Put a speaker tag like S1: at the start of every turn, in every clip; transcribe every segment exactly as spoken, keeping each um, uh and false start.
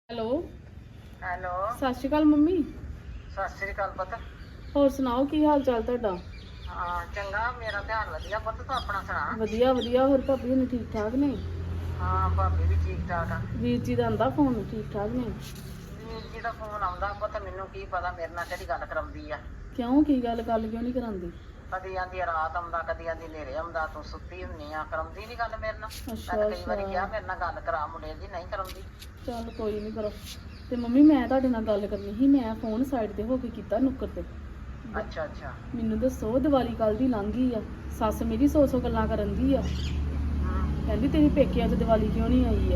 S1: Hello.
S2: Hello.
S1: ਸਤਿ ਸ਼੍ਰੀ ਅਕਾਲ mummy.
S2: ਸਤਿ ਸ੍ਰੀ ਅਕਾਲ ਪੁੱਤ।
S1: ਹੋਰ ਸੁਣਾਓ ਕੀ ਹਾਲ ਚਾਲ ਤੁਹਾਡਾ?
S2: ਹਾਂ ਚੰਗਾ, ਮੇਰਾ ਧਿਆਨ ਵਧੀਆ ਪੁੱਤ, ਤੂੰ ਆਪਣਾ ਸੁਣਾ।
S1: ਵਧੀਆ ਵਧੀਆ। ਹੋਰ ਭਾਬੀ ਹੁਣੀ ਠੀਕ ਠਾਕ ਨੇ?
S2: ਹਾਂ ਭਾਬੀ ਵੀ ਠੀਕ ਠਾਕ ਆ।
S1: ਵੀਰ ਜੀ ਦਾ ਆਂਦਾ ਫੋਨ? ਠੀਕ ਠਾਕ ਨੇ?
S2: ਵੀਰ ਜੀ ਦਾ ਫੋਨ ਆਉਂਦਾ ਪੁੱਤ, ਮੈਨੂੰ ਕੀ ਪਤਾ ਮੇਰੇ ਨਾਲ ਕਿਹੜੀ ਗੱਲ ਕਰਾਉਂਦੀ ਆ।
S1: ਕਿਉਂ, ਕੀ ਗੱਲ? ਗੱਲ ਕਿਉਂ ਨਹੀਂ ਕਰਾਉਂਦੀ?
S2: ਕਦੀ ਆਂਦੀ ਰਾਤ ਆਉਂਦਾ, ਕਦੀ ਆਂਦੀ ਹਨੇਰੇ ਆਉਂਦਾ, ਤੂੰ ਸੁੱਤੀ ਹੁੰਨੀ ਆ, ਕਰਾਉਂਦੀ ਨੀ ਗੱਲ ਮੇਰੇ ਨਾਲ।
S1: ਅੱਛਾ
S2: ਤੈਨੂੰ ਕਈ ਵਾਰੀ ਕਿਹਾ
S1: ਅੱਛਾ।
S2: ਮੇਰੇ ਨਾਲ ਗੱਲ ਕਰਾ ਮੁੰਡੇ ਦੀ, ਨਹੀਂ ਕਰਾਉਂਦੀ।
S1: ਚੱਲ ਕੋਈ ਨਹੀਂ, ਕਰੋ। ਤੇ ਮੰਮੀ ਮੈਂ ਤੁਹਾਡੇ ਨਾਲ ਗੱਲ ਕਰਨੀ ਸੀ। ਮੈਂ ਫੋਨ ਸਾਈਡ ਤੇ ਹੋ ਕੇ ਕੀਤਾ ਨੁੱਕਰ ਤੇ।
S2: ਅੱਛਾ ਅੱਛਾ।
S1: ਮੈਨੂੰ ਦੱਸੋ, ਦੀਵਾਲੀ ਕੱਲ ਦੀ ਲੰਘ ਗਈ ਆ, ਸੱਸ ਮੇਰੀ ਸੌ ਸੌ ਗੱਲਾਂ ਕਰਨ ਦੀ ਆ।
S2: ਹੂੰ।
S1: ਕਹਿੰਦੀ ਤੇਰੀ ਪੇਕਿਆਂ 'ਚ ਦੀਵਾਲੀ ਕਿਉਂ ਨਹੀਂ ਆਈ ਹੈ?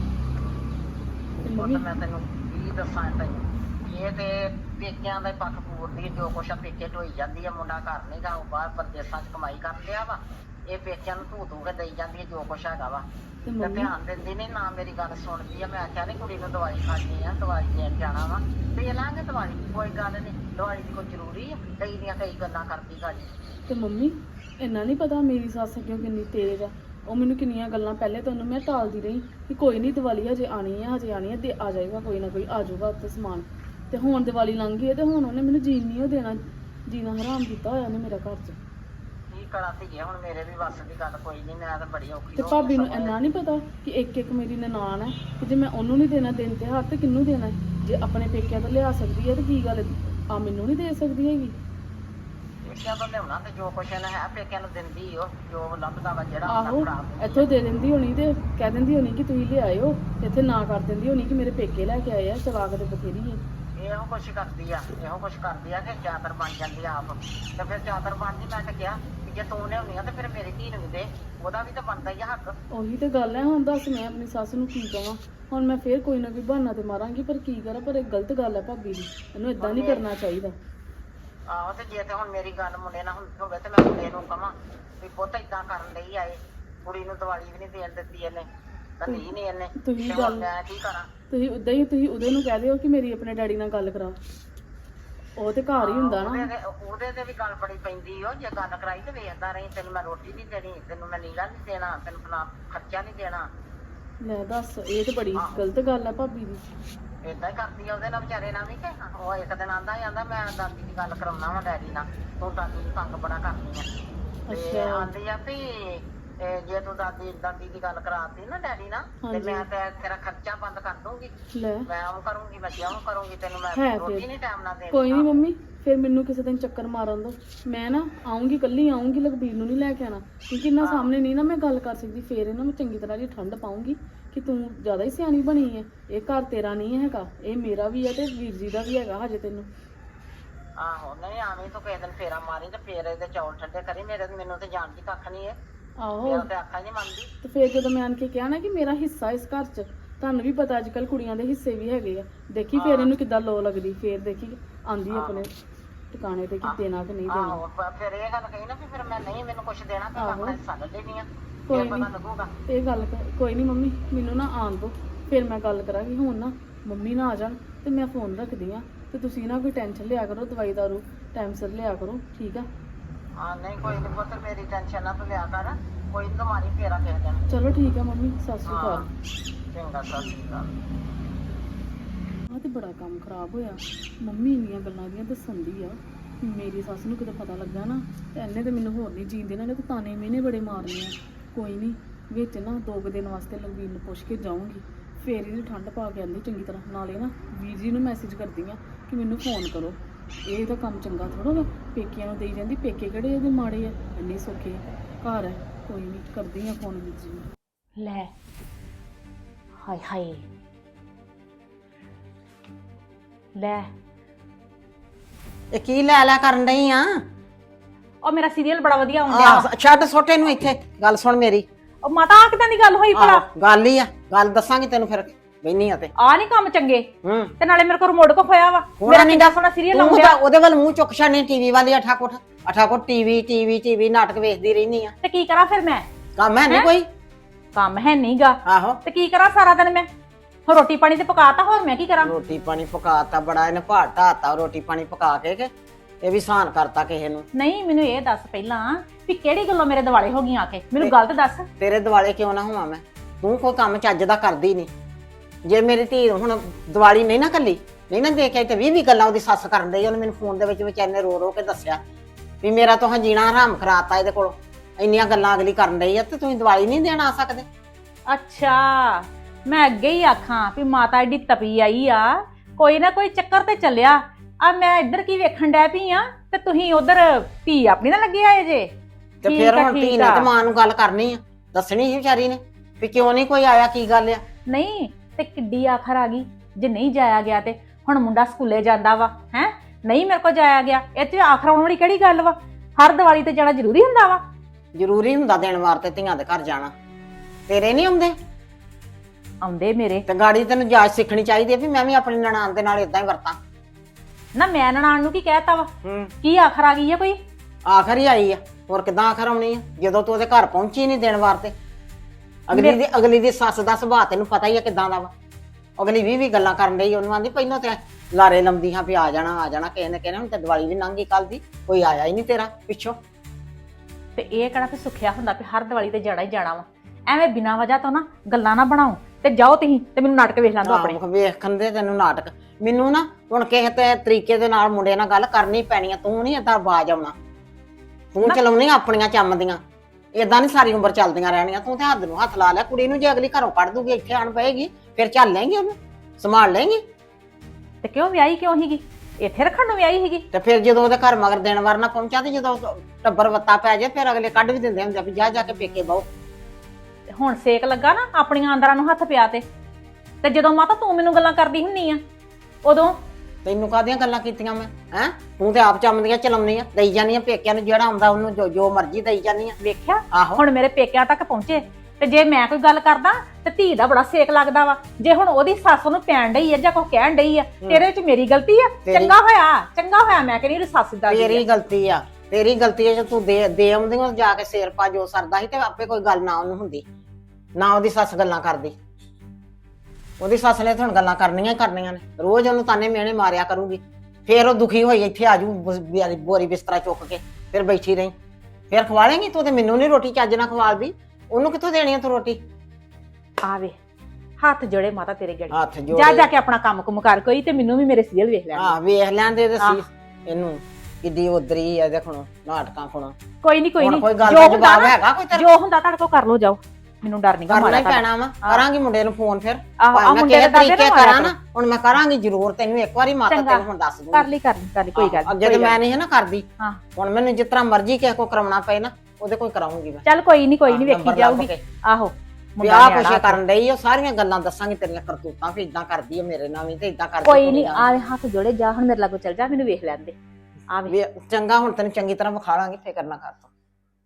S1: ਤੇ
S2: ਪੁੱਤ
S1: ਮੰਮੀ
S2: ਮੈਂ ਤੈਨੂੰ ਕੀ ਦੱਸਾਂ ਤੈਨੂੰ, ਇਹ ਤੇ ਪੇਕਿਆਂ ਦਾ ਹੀ ਪੱਖ ਪੂਰਦੀ, ਜੋ ਕੁਛ ਆ ਪੇਕੇ ਢੋਈ ਜਾਂਦੀ ਆ। ਮੁੰਡਾ ਘਰ ਨੀ ਗਾ, ਉਹ ਬਾਹਰ ਪਰਦੇਸਾਂ 'ਚ ਕਮਾਈ ਕਰ ਲਿਆ ਵਾ। ਇਹ ਪੇਕਿਆਂ ਨੂੰ ਧੂ ਧੂ ਕੇ ਦੇਈ ਜਾਂਦੀ ਹੈ ਜੋ ਕੁਛ ਹੈਗਾ ਵਾ।
S1: ਤੇ
S2: ਤੇ
S1: ਮੰਮੀ
S2: ਧਿਆਨ ਦਿੰਦੀ ਨੀ ਨਾ, ਮੇਰੀ ਗੱਲ ਸੁਣਦੀ ਆ। ਮੈਂ ਆਖਿਆ ਨੀ ਕੁੜੀ ਨੂੰ ਦਵਾਈ ਖਾਣੀ ਆ, ਦਵਾਈ ਦੇਣ ਜਾਣਾ ਵਾ, ਦੇ ਲਾਂਗੇ ਦਵਾਈ, ਕੋਈ ਗੱਲ ਨੀ। ਦਵਾਈ ਦੀ ਕੋਈ ਜ਼ਰੂਰੀ ਆ? ਕਈ ਦੀਆਂ ਕਈ ਗੱਲਾਂ ਕਰਦੀ ਗਾੜੀ।
S1: ਤੇ ਮੰਮੀ ਇੰਨਾ ਨਹੀਂ ਪਤਾ ਮੇਰੀ ਸੱਸ ਕਿਉਂ ਕਿੰਨੀ ਤੇਜ਼ ਆ? ਉਹ ਮੈਨੂੰ ਕਿੰਨੀਆਂ ਗੱਲਾਂ ਪਹਿਲੇ ਤੋਂ ਉਹਨੂੰ ਮੈਂ ਟਾਲਦੀ ਰਹੀ ਕਿ ਕੋਈ ਨਹੀਂ ਦੀਵਾਲੀ ਹਜੇ ਆਣੀ ਹੈ, ਹਜੇ ਆਣੀ ਹੈ, ਤੇ ਆ ਜਾਏਗਾ ਕੋਈ ਨਾ ਕੋਈ, ਆ ਜਾਊਗਾ ਉੱਤੇ ਸਮਾਨ। ਤੇ ਹੁਣ ਦੀਵਾਲੀ ਲੰਘ ਗਈ ਹੈ ਤੇ ਹੁਣ ਉਹਨੇ ਮੈਨੂੰ ਜੀਣ ਨਹੀਂ ਉਹ ਦੇਣਾ, ਜੀਣਾ ਹਰਾਮ ਕੀਤਾ ਹੋਇਆ ਉਹਨੇ ਮੇਰਾ ਘਰ 'ਚ।
S2: ਕੀ ਕਰਾਂ ਧੀਏ, ਹੁਣ ਮੇਰੇ ਵੀ ਵੱਸ ਦੀ ਗੱਲ ਕੋਈ ਨਹੀਂ। ਮੈਂ ਤਾਂ ਬੜੀ ਔਖੀ
S1: ਤੇ
S2: ਹੋ ਗਈ
S1: ਭਾਬੀ ਨੂੰ
S2: ਸਗੋਂ।
S1: ਇੰਨਾ ਨਹੀਂ ਪਤਾ ਕਿ ਇੱਕ ਇੱਕ ਮੇਰੀ ਨਨਾਣ ਹੈ, ਕਿ ਜੇ ਮੈਂ ਉਹਨੂੰ ਨਹੀਂ ਦੇਣਾ ਦਿਨ ਤਿਉਹਾਰ ਤੇ ਕਿਹਨੂੰ ਦੇਣਾ? ਜੇ ਆਪਣੇ ਪੇਕਿਆਂ ਤੋਂ ਲਿਆ ਸਕਦੀ ਹੈ ਤੇ ਕੀ ਗੱਲ ਆ ਮੈਨੂੰ ਨਹੀਂ ਦੇ ਸਕਦੀ ਹੈਗੀ?
S2: ਪੇਕਿਆਂ ਤੋਂ ਲਿਆਉਣਾ ਤੇ ਜੋ ਕੁਛ ਇਹਨੇ ਹੈ ਪੇਕਿਆਂ ਨੂੰ ਦਿੰਦੀ, ਉਹ ਜੋ ਲੱਭਦਾ ਵਾ ਜਿਹੜਾ ਹੁੰਦਾ
S1: ਆਹੋ,
S2: ਫੜਾ ਦਿੰਦੀ
S1: ਇੱਥੋਂ
S2: ਆ।
S1: ਦੇ ਦਿੰਦੀ ਹੋਣੀ ਤੇ ਕਹਿ ਦਿੰਦੀ ਹੋਣੀ ਕਿ ਤੁਸੀਂ ਲਿਆਇਓ, ਤੇ ਇੱਥੇ ਨਾ ਕਰ ਦਿੰਦੀ ਹੋਣੀ ਕਿ ਮੇਰੇ ਪੇਕੇ ਲੈ ਕੇ ਆਏ ਆ। ਚਲਾਕ ਤੇ ਬਥੇਰੀ ਹੈ।
S2: ਇਹੋ ਕੁਛ ਕਰਦੀ ਆ, ਇਹੋ ਕੁਛ ਕਰਦੀ ਆ ਕਿ ਚਾਦਰ ਬਣ ਜਾਂਦੀ ਆ ਆਪ। ਤੇ ਫਿਰ ਚਾਦਰ ਬਣਦੀ, ਮੈਂ ਤਾਂ ਕਿਹਾ ਕਿ ਜੇ ਤੂੰ ਲਿਆਉਣੀ ਆ ਤੇ ਫਿਰ ਮੇਰੀ ਧੀ ਨੂੰ ਵੀ ਦੇ, ਉਹਦਾ ਵੀ ਤਾਂ ਬਣਦਾ ਹੀ ਆ ਹੱਕ।
S1: ਉਹੀ ਤੇ ਗੱਲ ਹੈ। ਹੁਣ ਦੱਸ ਮੈਂ ਆਪਣੀ ਸੱਸ ਨੂੰ ਕੀ ਕਵਾਂ? ਹੁਣ ਮੈਂ ਫੇਰ ਕੋਈ ਨਾ ਕੋਈ ਬਹਾਨਾ ਤੇ ਮਾਰਾਂਗੀ, ਪਰ ਕੀ ਕਰਾਂ? ਪਰ ਇਹ ਗਲਤ ਗੱਲ ਹੈ ਭਾਬੀ ਦੀ, ਇਹਨੂੰ ਇਦਾਂ
S2: ਹੁਣ
S1: ਨਹੀਂ
S2: ਮੇ
S1: ਕਰਨਾ ਚਾਹੀਦਾ।
S2: ਆਹੋ, ਤੇ ਜੇ ਤੇ ਹੁਣ ਮੇਰੀ ਗੱਲ ਮੁੰਡੇ ਨਾਲ ਹੁੰਦੀ ਹੋਵੇ ਤੇ ਮੈਂ ਮੁੰਡੇ ਨੂੰ ਕਵਾਂ ਵੀ ਪੁੱਤ ਏਦਾਂ ਕਰਨ ਲਈ ਆਏ, ਕੁੜੀ ਨੂੰ ਦਿਵਾਲੀ ਵੀ ਨਹੀਂ ਦੇਣ ਦਿੱਤੀ ਇਹਨੇ, ਕੱਲੀ ਨਹੀਂ ਇਹਨੇ,
S1: ਤੁਸੀਂ
S2: ਤੇ ਹੁਣ
S1: ਗੱਲ
S2: ਮੈਂ ਕੀ ਕਰਾਂ?
S1: ਤੁਸੀਂ ਉਦਾਂ ਹੀ ਤੁਸੀਂ ਉਹਦੇ ਨੂੰ ਕਹਿ ਦਿਓ ਕਿ ਮੇਰੀ ਆਪਣੇ ਡੈਡੀ ਨਾਲ ਗੱਲ ਕਰਾ। ਉਹ ਤੇ ਘਰ ਹੀ
S2: ਹਾਂ,
S1: ਹੁੰਦਾ
S2: ਉਹਦੇ
S1: ਨਾ।
S2: ਤੇ ਉਹਦੇ ਤੇ ਵੀ ਗੱਲ ਬੜੀ ਪੈਂਦੀ ਓ। ਜੇ ਗੱਲ ਕਰਾਈ ਤੇ ਵੇਖਦਾ ਰਹੀ, ਤੈਨੂੰ ਮੈਂ ਰੋਟੀ ਨਹੀਂ ਦੇਣੀ, ਤੈਨੂੰ ਮੈਂ ਨੀਲਾ ਨਹੀਂ ਦੇਣਾ, ਤੈਨੂੰ ਫਲਾ ਖਰਚਾ ਨਹੀਂ ਦੇਣਾ।
S1: ਲੈ ਦੱਸ, ਇਹ ਤੇ ਬੜੀ
S2: ਆਹੋ,
S1: ਗਲਤ ਗੱਲ ਹੈ ਭਾਬੀ ਦੀ।
S2: ਏਦਾਂ ਹੀ ਕਰਦੀ ਆ ਉਹਦੇ ਨਾਲ, ਵਿਚਾਰੇ ਨਾਲ ਵੀ। ਕਿ ਉਹ ਇੱਕ ਦਿਨ ਆਂਦਾ ਹੀ ਆਂਦਾ ਮੈਂ ਦਾਦੀ ਦੀ ਗੱਲ ਕਰਾਉਣਾ ਵਾ ਡੈਡੀ ਨਾਲ, ਤੂੰ ਦਾਦੀ ਨੂੰ ਤੰਗ ਬੜਾ ਕਰਦੀ ਆ। ਤੇ
S1: ਅੱਛਾ।
S2: ਆਂਦੀ ਆ ਵੀ ਇਹ ਜੇ ਤੂੰ ਦਾਦੀ ਦਾਦੀ ਦੀ ਗੱਲ ਕਰਾਤੀ ਨਾ ਡੈਡੀ ਨਾਲ, ਤੇ
S1: ਹਾਂਜੀ।
S2: ਮੈਂ ਤੇ ਤੇਰਾ ਖਰਚਾ ਬੰਦ ਕਰ ਦੂੰਗੀ।
S1: ਲੈ
S2: ਮੈਂ ਉਹ ਕਰੂੰਗੀ, ਮੈਂ ਜਿਉਂ ਕਰੂੰਗੀ, ਤੈਨੂੰ ਮੈਂ
S1: ਹੈ
S2: ਰੋਟੀ
S1: ਫਿਰ
S2: ਨਹੀਂ ਟਾਈਮ ਨਾਲ ਦੇਣੀ।
S1: ਕੋਈ ਨਹੀਂ
S2: ਆਹੋ,
S1: ਮੰਮੀ, ਫਿਰ ਮੈਨੂੰ ਕਿਸੇ ਦਿਨ ਚੱਕਰ ਮਾਰਨ ਦੋ। ਮੈਂ ਨਾ ਆਉਂਗੀ, ਕੱਲੀ ਆਉਂਗੀ, ਲਖਬੀਰ ਨੂੰ ਨਹੀਂ ਲੈ ਕੇ ਆਣਾ, ਕਿਉਂਕਿ ਇਹਨਾਂ
S2: ਆਹੋ,
S1: ਸਾਹਮਣੇ ਨਹੀਂ ਨਾ ਮੈਂ ਗੱਲ ਕਰ ਸਕਦੀ। ਫੇਰ ਇਹਨਾਂ ਨੂੰ ਚੰਗੀ ਤਰ੍ਹਾਂ ਦੀ ਠੰਡ ਪਾਉਂਗੀ ਕਿ ਤੂੰ ਜ਼ਿਆਦਾ ਹੀ ਸਿਆਣੀ ਬਣੀ ਹੈ, ਇਹ ਘਰ ਤੇਰਾ ਨਹੀਂ ਹੈਗਾ, ਇਹ ਮੇਰਾ ਵੀ ਹੈ ਤੇ ਵੀਰ ਜੀ ਦਾ ਵੀ ਹੈਗਾ ਹਜੇ ਤੈਨੂੰ।
S2: ਆਹੋ। ਨਹੀਂ ਆਵੀਂ ਤੂੰ ਕਿਸੇ ਦਿਨ ਫੇਰਾ ਮਾਰੀ ਤੇ ਫੇਰ ਇਹਦੇ ਚੌਲ ਠੰਡੇ ਕਰੀ। ਮੇਰੇ ਮੈਨੂੰ ਤੇ ਜਾਣ ਦੀ ਕੱਖ ਨਹੀਂ ਹੈ,
S1: ਆਹੋ,
S2: ਮੇਰਾ ਤੇ ਆਖਾ ਨਹੀਂ ਮੰਨਦੀ।
S1: ਤੇ ਫਿਰ ਜਦੋਂ ਮੈਂ ਆਣ ਕੇ ਕਿਹਾ ਨਾ ਕਿ ਮੇਰਾ ਹਿੱਸਾ ਇਸ ਘਰ 'ਚ, ਤੁਹਾਨੂੰ ਵੀ ਪਤਾ ਅੱਜ ਕੱਲ ਕੁੜੀਆਂ ਦੇ ਹਿੱਸੇ ਵੀ ਹੈਗੇ ਆ, ਦੇਖੀ ਫਿਰ
S2: ਹਾਂ,
S1: ਇਹਨੂੰ ਕਿੱਦਾਂ ਲੋ ਲੱਗਦੀ। ਫੇਰ ਦੇਖੀ ਆਂਦੀ ਆਪਣੇ
S2: ਆਹੋ,
S1: ਟਿਕਾਣੇ ਤੇ ਕਿ
S2: ਆਹ,
S1: ਦੇਣਾ ਕਿ ਨਹੀਂ ਦੇਣਾ।
S2: ਆਹੋ। ਪ- ਫਿਰ ਇਹ ਗੱਲ ਕਹੀ ਨਾ ਵੀ ਫਿਰ ਮੈਂ ਨਹੀਂ, ਮੈਨੂੰ ਕੁਛ ਦੇਣਾ ਤੇ ਮੈਂ
S1: ਆਹੋ,
S2: ਆਪਣਾ ਹਿੱਸਾ ਲੈ ਲੈਣੀ ਆ,
S1: ਕੋਈ
S2: ਫੇਰ ਪਤਾ
S1: ਨਹੀਂ,
S2: ਲੱਗੂਗਾ।
S1: ਇਹ ਗੱਲ ਕ- ਕੋਈ ਨਹੀਂ ਮੰਮੀ, ਮੈਨੂੰ ਨਾ ਆਣ ਦੋ, ਫਿਰ ਮੈਂ ਗੱਲ ਕਰਾਂਗੀ। ਹੁਣ ਨਾ ਮੰਮੀ ਨਾ ਆ ਜਾਣ ਤੇ ਮੈਂ ਫੋਨ ਰੱਖਦੀ ਆ, ਤੇ ਤੁਸੀਂ ਨਾ ਕੋਈ ਟੈਨਸ਼ਨ ਲਿਆ ਕਰੋ, ਦਵਾਈ ਦਾਰੂ ਟਾਈਮ ਸਿਰ ਲਿਆ ਕਰੋ, ਠੀਕ ਆ?
S2: ਹਾਂ, ਨਹੀਂ ਕੋਈ ਨਹੀਂ ਪੁੱਤ, ਮੇਰੀ ਟੈਨਸ਼ਨ ਨਾ ਤੂੰ ਲਿਆ ਕਰ, ਕੋਈ ਨੀ, ਮਾਰੀ ਫੇਰਾ ਕਿਸੇ ਦਿਨ।
S1: ਚਲੋ ਠੀਕ ਆ ਮੰਮੀ, ਸਤਿ ਸ਼੍ਰੀ
S2: ਹਾਂ,
S1: ਅਕਾਲ।
S2: ਚੰਗਾ, ਸਤਿ ਸ਼੍ਰੀ ਅਕਾਲ।
S1: ਆਹ ਤੇ ਬੜਾ ਕੰਮ ਖਰਾਬ ਹੋਇਆ। ਮੰਮੀ ਇੰਨੀਆਂ ਗੱਲਾਂ ਦੀਆਂ ਦੱਸਣ ਦੀ ਆ, ਮੇਰੀ ਸੱਸ ਨੂੰ ਕਿਤੇ ਪਤਾ ਲੱਗਾ ਨਾ ਤੇ ਇਹਨੇ ਤੇ ਮੈਨੂੰ ਹੋਰ ਨਹੀਂ ਜੀਣ ਦੇਣਾ, ਇਹਨੇ ਤੇ ਤਾਨੇ ਮੀਨੇ ਬੜੇ ਮਾਰਨੇ ਆ। ਕੋਈ ਨਹੀਂ, ਵਿੱਚ ਨਾ ਦੋ ਕੁ ਦਿਨ ਵਾਸਤੇ ਲਖਬੀਰ ਨੂੰ ਪੁੱਛ ਕੇ ਜਾਊਂਗੀ, ਫੇਰ ਇਹਦੀ ਠੰਡ ਪਾ ਕੇ ਆਂਦੀ ਚੰਗੀ ਤਰ੍ਹਾਂ। ਨਾਲੇ ਨਾ ਵੀਰ ਜੀ ਨੂੰ ਮੈਸੇਜ ਕਰਦੀ ਆ ਕਿ ਮੈਨੂੰ ਫੋਨ ਕਰੋ। ਇਹ ਤਾਂ ਕੰਮ ਚੰਗਾ ਥੋੜ੍ਹਾ ਵਾ, ਪੇਕਿਆਂ ਨੂੰ ਦੇਈ ਜਾਂਦੀ। ਪੇਕੇ ਕਿਹੜੇ ਇਹਦੇ ਮਾੜੇ ਆ, ਇੰਨੇ ਸੌਖੇ ਘਰ ਹੈ। ਕੋਈ ਨਹੀਂ, ਕਰਦੀ ਆ ਫੋਨ ਵੀਰ ਜੀ ਨੂੰ।
S3: ਲੈ ਹਾਏ ਹਾਏ, ਲੈ
S4: ਇਹ ਕੀ ਲੈ ਲੈ ਕਰਨ ਡਈ ਆ?
S3: ਉਹ ਮੇਰਾ ਸੀਰੀਅਲ ਬੜਾ ਵਧੀਆ ਆਉਂਦਾ।
S4: ਆਹ ਛੱਡ ਛੋਟੇ ਨੂੰ ਇੱਥੇ, ਗੱਲ ਸੁਣ ਮੇਰੀ।
S3: ਉਹ ਮਾਤਾ ਆ ਕਿਦਾਂ ਦੀ ਗੱਲ ਹੋਈ ਭਲਾ?
S4: ਆਹੋ, ਗੱਲ ਹੀ ਆ, ਗੱਲ ਦੱਸਾਂਗੀ ਤੈਨੂੰ ਫਿਰ ਬੈਨੀ ਆ ਤੇ
S3: ਆ ਨਹੀਂ ਕੰਮ ਚੰਗੇ।
S4: ਹੂੰ,
S3: ਤੇ ਨਾਲੇ ਮੇਰੇ ਕੋਲ ਰਿਮੋਟ ਕੋ ਖੋਇਆ ਵਾ,
S4: ਹੋਣਾ
S3: ਮੇਰਾ
S4: ਨੀ
S3: ਕਿੰਨਾ ਸੋਹਣਾ ਸੀਰੀਅਲ
S4: ਤੂੰ
S3: ਆਉਂਦਾ।
S4: ਤਾਂ ਉਹਦੇ ਵੱਲ ਮੂੰਹ ਚੁੱਕ ਛਾਣੀ ਟੀਵੀ ਵਾਲੀ ਅਠਾ ਕੋਠ ਅਠਾ ਕੋਠ ਟੀਵੀ ਟੀਵੀ ਟੀਵੀ ਨਾਟਕ ਵੇਖਦੀ ਰਹਿਨੀ ਆ।
S3: ਤੇ ਕੀ ਕਰਾਂ ਫਿਰ ਮੈਂ?
S4: ਕੰਮ ਹੈ ਨਹੀਂ ਕੋਈ?
S3: ਕੰਮ ਹੈ ਨਹੀਂਗਾ
S4: ਆਹੋ,
S3: ਤੇ ਕੀ ਕਰਾਂ ਸਾਰਾ ਦਿਨ ਮੈਂ? ਹੁਣ ਰੋਟੀ ਪਾਣੀ ਤੇ ਪਕਾਤਾ, ਹੋਰ ਮੈਂ ਕੀ ਕਰਾਂ?
S4: ਰੋਟੀ ਪਾਣੀ ਪਕਾਤਾ, ਬੜਾ ਇਹਨੇ ਭਾਰ ਢਾਤਾ ਰੋਟੀ ਪਾਣੀ ਪਕਾ ਕੇ ਕੇ ਇਹ ਵੀ ਸਾਨ ਕਰਤਾ ਕਿਸੇ ਨੂੰ।
S3: ਨਹੀਂ, ਮੈਨੂੰ ਇਹ ਦੱਸ ਪਹਿਲਾਂ ਵੀ ਕਿਹੜੀ ਗੱਲੋਂ ਮੇਰੇ ਦਿਵਾਲੇ ਹੋ ਗਈਆਂ ਆ ਕੇ? ਮੈਨੂੰ ਗੱਲ ਤਾਂ ਦੱਸ।
S4: ਤੇਰੇ ਦਿਵਾਲੇ ਕਿਉਂ ਨਾ ਹੋਵਾਂ ਮੈਂ? ਤੂੰ ਕੋਈ ਕੰਮ ਚੱਜ ਦਾ ਕਰਦੀ ਨਹੀਂ, ਜੇ ਮੇਰੀ ਧੀ ਹੁਣ ਦੀਵਾਲੀ ਨਹੀਂ ਨਾ ਕੱਲੀ ਨਹੀਂ ਨਾ ਦੇ ਕੇ ਆਈ ਤੇ ਵੀਹ ਵੀਹ ਗੱਲਾਂ ਉਹਦੀ ਸੱਸ ਕਰਨ ਡਈ। ਉਹਨੇ ਮੈਨੂੰ ਫੋਨ ਦੇ ਵਿੱਚ ਵਿਚਾਰੇ ਰੋ ਰੋ ਕੇ ਦੱਸਿਆ ਵੀ ਮੇਰਾ ਤਾਂ ਜੀਣਾ ਹਰਾਮ ਕਰਾਤਾ ਇਹਦੇ ਕੋਲ, ਇੰਨੀਆਂ ਗੱਲਾਂ ਅਗਲੀ ਕਰਨ ਡਈ ਆ ਤੇ ਤੁਸੀਂ ਦੀਵਾਲੀ ਨਹੀਂ ਦੇਣ ਆ ਸਕਦੇ।
S3: ਅੱਛਾ ਮੈਂ ਅੱਗੇ ਹੀ ਆਖਾਂ ਵੀ ਮਾਤਾ ਏਡੀ ਤਪੀ ਆਈ ਆ, ਕੋਈ ਨਾ ਕੋਈ ਚੱਕਰ ਤੇ ਚੱਲਿਆ ਆ। ਮੈਂ ਇੱਧਰ ਕੀ ਵੇਖਣ ਡੈ ਪਈ ਆ ਤੇ ਤੁਸੀਂ ਉਧਰ ਧੀ ਆਪਣੀ ਨਾ ਲੱਗੇ ਆਏ ਜੇ।
S4: ਤੇ
S3: ਠੀਕ
S4: ਫਿਰ
S3: ਆ,
S4: ਹੁਣ ਧੀ
S3: ਠੀਕ
S4: ਨੇ
S3: ਆ।
S4: ਤੇ ਮਾਂ ਨੂੰ ਗੱਲ ਕਰਨੀ ਆ, ਦੱਸਣੀ ਸੀ ਵਿਚਾਰੀ ਨੇ ਵੀ ਕਿਉਂ ਨਹੀਂ ਕੋਈ ਆਇਆ, ਕੀ ਗੱਲ ਆ।
S3: ਨਹੀਂ ਤੇ ਕਿੱਡੀ ਆਖਰ ਆ ਗਈ ਜੇ ਨਹੀਂ ਜਾਇਆ ਗਿਆ ਤੇ। ਹੁਣ ਮੁੰਡਾ ਸਕੂਲੇ ਜਾਂਦਾ ਵਾ ਹੈ, ਨਹੀਂ ਮੇਰੇ ਕੋਲ ਜਾਇਆ ਗਿਆ, ਇਹ ਤੇ ਆਖਰ ਆਉਣ ਵਾਲੀ ਕਿਹੜੀ ਗੱਲ ਵਾ। ਹਰ ਦੀਵਾਲੀ ਤੇ ਜਾਣਾ ਜ਼ਰੂਰੀ ਹੁੰਦਾ ਵਾ?
S4: ਜ਼ਰੂਰੀ ਹੁੰਦਾ ਦੇਣ ਵਾਰ ਤੇ ਧੀਆਂ ਦੇ ਘਰ ਜਾਣਾ। ਤੇਰੇ ਨਹੀਂ ਆਉਂਦੇ?
S3: ਆਉਂਦੇ ਮੇਰੇ।
S4: ਤੇ ਗਾੜੀ ਤੈਨੂੰ ਜਾਚ ਸਿੱਖਣੀ ਚਾਹੀਦੀ ਹੈ ਵੀ ਮੈਂ ਵੀ ਆਪਣੀ ਨਨਾਣ ਦੇ ਨਾਲ ਇਦਾਂ ਹੀ ਵਰਤਾਂ।
S3: ਨਾ ਮੈਂ ਨਨਾਣ ਨੂੰ ਕੀ ਕਹਿਤਾ ਵਾ?
S4: ਹੂੰ
S3: ਕੀ ਆਖਰ ਆ ਗਈ ਆ ਕੋਈ?
S4: ਆਖਰ ਹੀ ਆਈ ਆ, ਹੋਰ ਕਿਦਾਂ ਆਖਰ ਆਉਣੀ ਆ ਜਦੋਂ ਤੂੰ ਉਹਦੇ ਘਰ ਪਹੁੰਚੀ ਨਹੀਂ ਦੇਣ ਵਾਰ ਤੇ। ਅਗਲੀ ਦੀ ਅਗਲੀ ਦੀ ਸੱਸ ਦਾ ਸੁਭਾਅ ਤੈਨੂੰ ਪਤਾ ਹੀ ਆ ਕਿਦਾਂ ਦਾ ਵਾ। ਅਗਲੀ ਵੀਹ ਵੀਹ ਗੱਲਾਂ ਕਰਨ ਡਈ, ਉਹਨੂੰ ਆਂਦੀ ਪਹਿਲਾਂ ਤੇ ਲਾਰੇ ਲੰਮਦੀ ਹਾਂ ਵੀ ਆ ਜਾਣਾ ਆ ਜਾਣਾ, ਕਿਸੇ ਨੇ ਕਹਿਣਾ ਹੁਣ ਤੇ ਦੀਵਾਲੀ ਵੀ ਲੰਘ ਗਈ ਕੱਲ ਦੀ, ਕੋਈ ਆਇਆ ਹੀ ਨਹੀਂ ਤੇਰਾ ਪਿੱਛੋਂ।
S3: ਤੇ ਇਹ ਕਿਹੜਾ ਫਿਰ ਸੁੱਖਿਆ ਹੁੰਦਾ ਵੀ ਹਰ ਦੀਵਾਲੀ ਤੇ ਜਾਣਾ ਹੀ ਜਾਣਾ ਵਾ। ਐਵੇਂ ਬਿਨਾਂ ਵਜ੍ਹਾ ਤੋਂ ਨਾ ਗੱਲਾਂ ਨਾ ਬਣਾਓ ਤੇ ਜਾਓ ਤੁਸੀਂ ਤੇ ਮੈਨੂੰ ਨਾਟਕ ਵੇਖ ਲੈਂਦੋ ਆਪਣੇ।
S4: ਆਹ ਵੇਖਣ ਦੇ ਤੈਨੂੰ ਨਾਟਕ। ਮੈਨੂੰ ਨਾ ਹੁਣ ਕਿਸੇ ਤੇ ਤਰੀਕੇ ਦੇ ਨਾਲ ਮੁੰਡੇ ਨਾਲ ਗੱਲ ਕਰਨੀ ਪੈਣੀ ਆ। ਤੂੰ ਨਹੀਂ ਏਦਾਂ ਆਵਾਜ਼ ਆਉਣਾ, ਤੂੰ ਚਲਾਉਣੀ ਆਪਣੀਆਂ ਚੰਮਦੀਆਂ। ਏਦਾਂ ਨਹੀਂ ਸਾਰੀ ਉਮਰ ਚੱਲਦੀਆਂ ਰਹਿਣੀਆਂ। ਤੂੰ ਤੇ ਹੱਦ ਨੂੰ ਹੱਥ ਲਾ ਲਿਆ। ਕੁੜੀ ਨੂੰ ਜੇ ਅਗਲੀ ਘਰੋਂ ਕੱਢ ਦੂਗੀ, ਇੱਥੇ ਆਣ ਪਏਗੀ, ਫਿਰ ਚੱਲ ਲੈਂਗੀ ਉਹਨੂੰ, ਸੰਭਾਲ ਲੈਂਗੀ।
S3: ਤੇ ਕਿਉਂ ਵਿਆਹੀ ਕਿਉਂ ਸੀਗੀ? ਇੱਥੇ ਰੱਖਣ ਨੂੰ ਵਿਆਹੀ ਸੀਗੀ।
S4: ਤੇ ਫਿਰ ਜਦੋਂ ਉਹਦੇ ਘਰ ਮਗਰ ਦੇਣ ਵਾਰ ਨਾ ਪਹੁੰਚਾ ਤੇ ਜਦੋਂ ਟੱਬਰ ਵੱਤਾ ਪੈ ਜਾਏ ਫਿਰ ਅਗਲੇ ਕੱਢ ਵੀ ਦਿੰਦੇ ਹੁੰਦੇ ਵੀ ਜਾ ਜਾ ਕੇ ਪੇਕੇ ਬਹੁ।
S3: ਤੇ ਹੁਣ ਸੇਕ ਲੱਗਾ ਨਾ ਆਪਣੀਆਂ ਅੰਦਰਾਂ ਨੂੰ ਹੱਥ ਪਿਆ ਤੇ ਤੇ ਜਦੋਂ ਮਾਤਾ ਤੂੰ ਮੈਨੂੰ ਗੱਲਾਂ ਕਰਦੀ ਹੁੰਨੀ ਆ ਉਦੋਂ
S4: ਤੈਨੂੰ ਕਾਹਦੀਆਂ ਗੱਲਾਂ ਕੀਤੀਆਂ ਮੈਂ? ਹੈਂ ਤੂੰ ਤੇ ਆਪ ਚੰਮਦੀਆਂ ਚਲਾਉਣੀ ਆ, ਦਈ ਜਾਨੀ ਆ ਪੇਕਿਆਂ ਨੂੰ, ਜਿਹੜਾ ਆਉਂਦਾ ਉਹਨੂੰ ਜੋ ਜੋ ਮਰਜ਼ੀ ਦਈ ਜਾਨੀ ਆ।
S3: ਵੇਖਿਆ
S4: ਆਹੋ
S3: ਹੁਣ ਮੇਰੇ ਪੇਕਿਆਂ ਤੱਕ ਪਹੁੰਚੇ ਤੇ ਜੇ ਮੈਂ ਕੋਈ ਗੱਲ ਕਰਦਾ ਤੇ ਧੀ ਦਾ ਬੜਾ ਸੇਕ ਲੱਗਦਾ ਵਾ। ਜੇ ਹੁਣ ਉਹਦੀ ਸੱਸ ਨੂੰ ਪੈਣ ਡਈ ਆ ਜਾਂ ਕੋਈ ਕਹਿਣ ਡਈ ਆ, ਤੇਰੇ ਵਿੱਚ ਮੇਰੀ ਗਲਤੀ ਆ?
S4: ਤੇਰੀ-
S3: ਚੰਗਾ ਹੋਇਆ ਚੰਗਾ ਹੋਇਆ ਮੈਂ ਕਹਿੰਦੀ ਉਹਦੀ ਸੱਸ ਦਾ
S4: ਤੇਰੀ ਗਲਤੀ ਆ, ਤੇਰੀ ਗਲਤੀ ਆ ਜੇ ਤੂੰ ਦੇ ਦੇ ਆਉਂਦੀ ਉਹ ਜਾ ਕੇ ਸਿਰ ਪਾ ਜੋ ਸਰਦਾ ਸੀ ਤੇ ਆਪੇ ਕੋਈ ਗੱਲ ਨਾ ਉਹਨੂੰ ਹੁੰਦੀ, ਨਾ ਉਹਦੀ ਸੱਸ ਗੱਲਾਂ ਕਰਦੀ। ਉਹਦੀ ਸੱਸ ਨੇ ਤਾਂ ਹੁਣ ਗੱਲਾਂ ਕਰਨੀਆਂ ਹੀ ਕਰਨੀਆਂ ਨੇ, ਰੋਜ਼ ਉਹਨੂੰ ਤਾਨੇ ਮਿਹਣੇ ਮਾਰਿਆ ਕਰੂਗੀ। ਫਿਰ ਉਹ ਦੁਖੀ ਹੋਈ ਇੱਥੇ ਆਜੂ ਬੋਰੀ ਬਿਸਤਰਾ ਚੁੱਕ ਕੇ, ਫਿਰ ਬੈਠੀ ਰਹੀ, ਫਿਰ ਖਵਾ ਲੇਂਗੀ ਤੂੰ। ਤੇ ਮੈਨੂੰ ਨਹੀਂ ਰੋਟੀ ਚੱਜ ਨਾਲ ਖਵਾਲਦੀ, ਉਹਨੂੰ ਕਿੱਥੋਂ ਦੇਣੀ ਆ ਤੂੰ ਰੋਟੀ?
S3: ਆਵੇ ਹੱਥ ਜੋੜੇ ਮਾਤਾ ਤੇਰੇ ਗੜੀ,
S4: ਹੱਥ ਜੋੜੇ
S3: ਜਾ ਜਾ ਕੇ ਆਪਣਾ ਕੰਮ ਕੁਮ ਕਰ ਕੋਈ ਤੇ ਮੈਨੂੰ ਵੀ ਮੇਰੇ ਸੀਰੀਅਲ ਵੇਖ ਲੈਣ
S4: ਹਾਂ ਵੇਖ ਲੈਂਦੇ ਤੇ ਸੀ ਇਹਨੂੰ ਕਿੱਡੀ ਉਦਰੀ ਆ ਦੇਖਣੋ ਨਾਟਕਾਂ ਖੁਣਾ।
S3: ਕੋਈ ਨਹੀਂ ਕੋਈ
S4: ਹੁਣ
S3: ਨਹੀਂ
S4: ਕੋਈ ਗੱਲ ਦਾ ਜਵਾਬ ਹੈਗਾ ਕੋਈ ਤੇਰੇ?
S3: ਜੋ ਹੁੰਦਾ ਤੁਹਾਡੇ ਕੋਲ ਕਰ ਲੋ, ਜਾਓ, ਮੈਨੂੰ ਡਰ ਨਹੀਂ ਗਾ
S4: ਕਰਨਾ
S3: ਮਾਰਿਆ
S4: ਹੀ ਪੈਣਾ ਵਾ। ਕਰਾਂਗੀ ਮੁੰਡੇ ਨੂੰ ਫੋਨ ਫਿਰ,
S3: ਆਹੋ ਆ
S4: ਮੈਂ
S3: ਮੁੰਡੇ
S4: ਕਿਹੜੇ
S3: ਦਾ ਦਾਦੇ
S4: ਤਰੀਕੇ
S3: ਨਾ
S4: ਕਰਾਂ ਨਾ। ਹੁਣ ਮੈਂ ਕਰਾਂਗੀ ਜ਼ਰੂਰ, ਤੈਨੂੰ ਇੱਕ ਵਾਰੀ ਮਾਤਾ
S3: ਚੰਗਾ।
S4: ਤੈਨੂੰ ਹੁਣ ਦੱਸ ਦੂੰਗੀ।
S3: ਕਰ ਲਈ ਕਰ ਲਈ ਕਰ ਲਈ ਕੋਈ ਗੱਲ ਨੀ,
S4: ਅੱਗੇ ਤੇ
S3: ਕੋਈ ਗੱਲ
S4: ਮੈਂ ਨਹੀਂ ਹੈ ਨਾ ਕਰਦੀ।
S3: ਹਾਂ।
S4: ਹੁਣ ਮੈਨੂੰ ਜਿਸ ਤਰ੍ਹਾਂ ਮਰਜ਼ੀ ਕਿਸੇ ਕੋ ਕਰਾਉਣਾ ਪਏ ਨਾ ਉਹਦੇ ਕੋਈ ਕਰਾਉਂਗੀ ਮੈਂ।
S3: ਚੱਲ ਕੋਈ ਨਹੀਂ ਕੋਈ ਨਹੀਂ
S4: ਹਾਂ,
S3: ਵੇਖੀ
S4: ਨੰਬਰ ਲੱਭ
S3: ਜਾਊਗੀ।
S4: ਕੇ।
S3: ਆਹੋ
S4: ਵਿਆਹ ਕੁਛ ਕਰਨ ਡਈ ਉਹ ਸਾਰੀਆਂ ਗੱਲਾਂ ਦੱਸਾਂਗੀ ਤੇਰੀਆਂ ਕਰਤੂਤਾਂ, ਵੀ ਇਦਾਂ ਕਰਦੀ ਹੈ ਮੇਰੇ ਨਾਲ ਵੀ ਤੇ ਇਦਾਂ ਕਰਦੀ
S3: ਕੋਈ ਨਹੀਂ ਆ ਹੱਥ ਜੋੜੇ, ਜਾ ਹੁਣ ਮੇਰੇ ਲਾਗੋਂ ਚੱਲ ਜਾ, ਮੈਨੂੰ ਵੇਖ ਲੈਣ ਦੇ। ਆਵੇ
S4: ਵੀ ਚੰਗਾ ਹੁਣ ਤੈਨੂੰ ਚੰਗੀ ਤਰ੍ਹਾਂ ਵਿਖਾ ਲਾਂਗੀ, ਫਿਕਰ ਨਾ ਕਰ ਤੂੰ।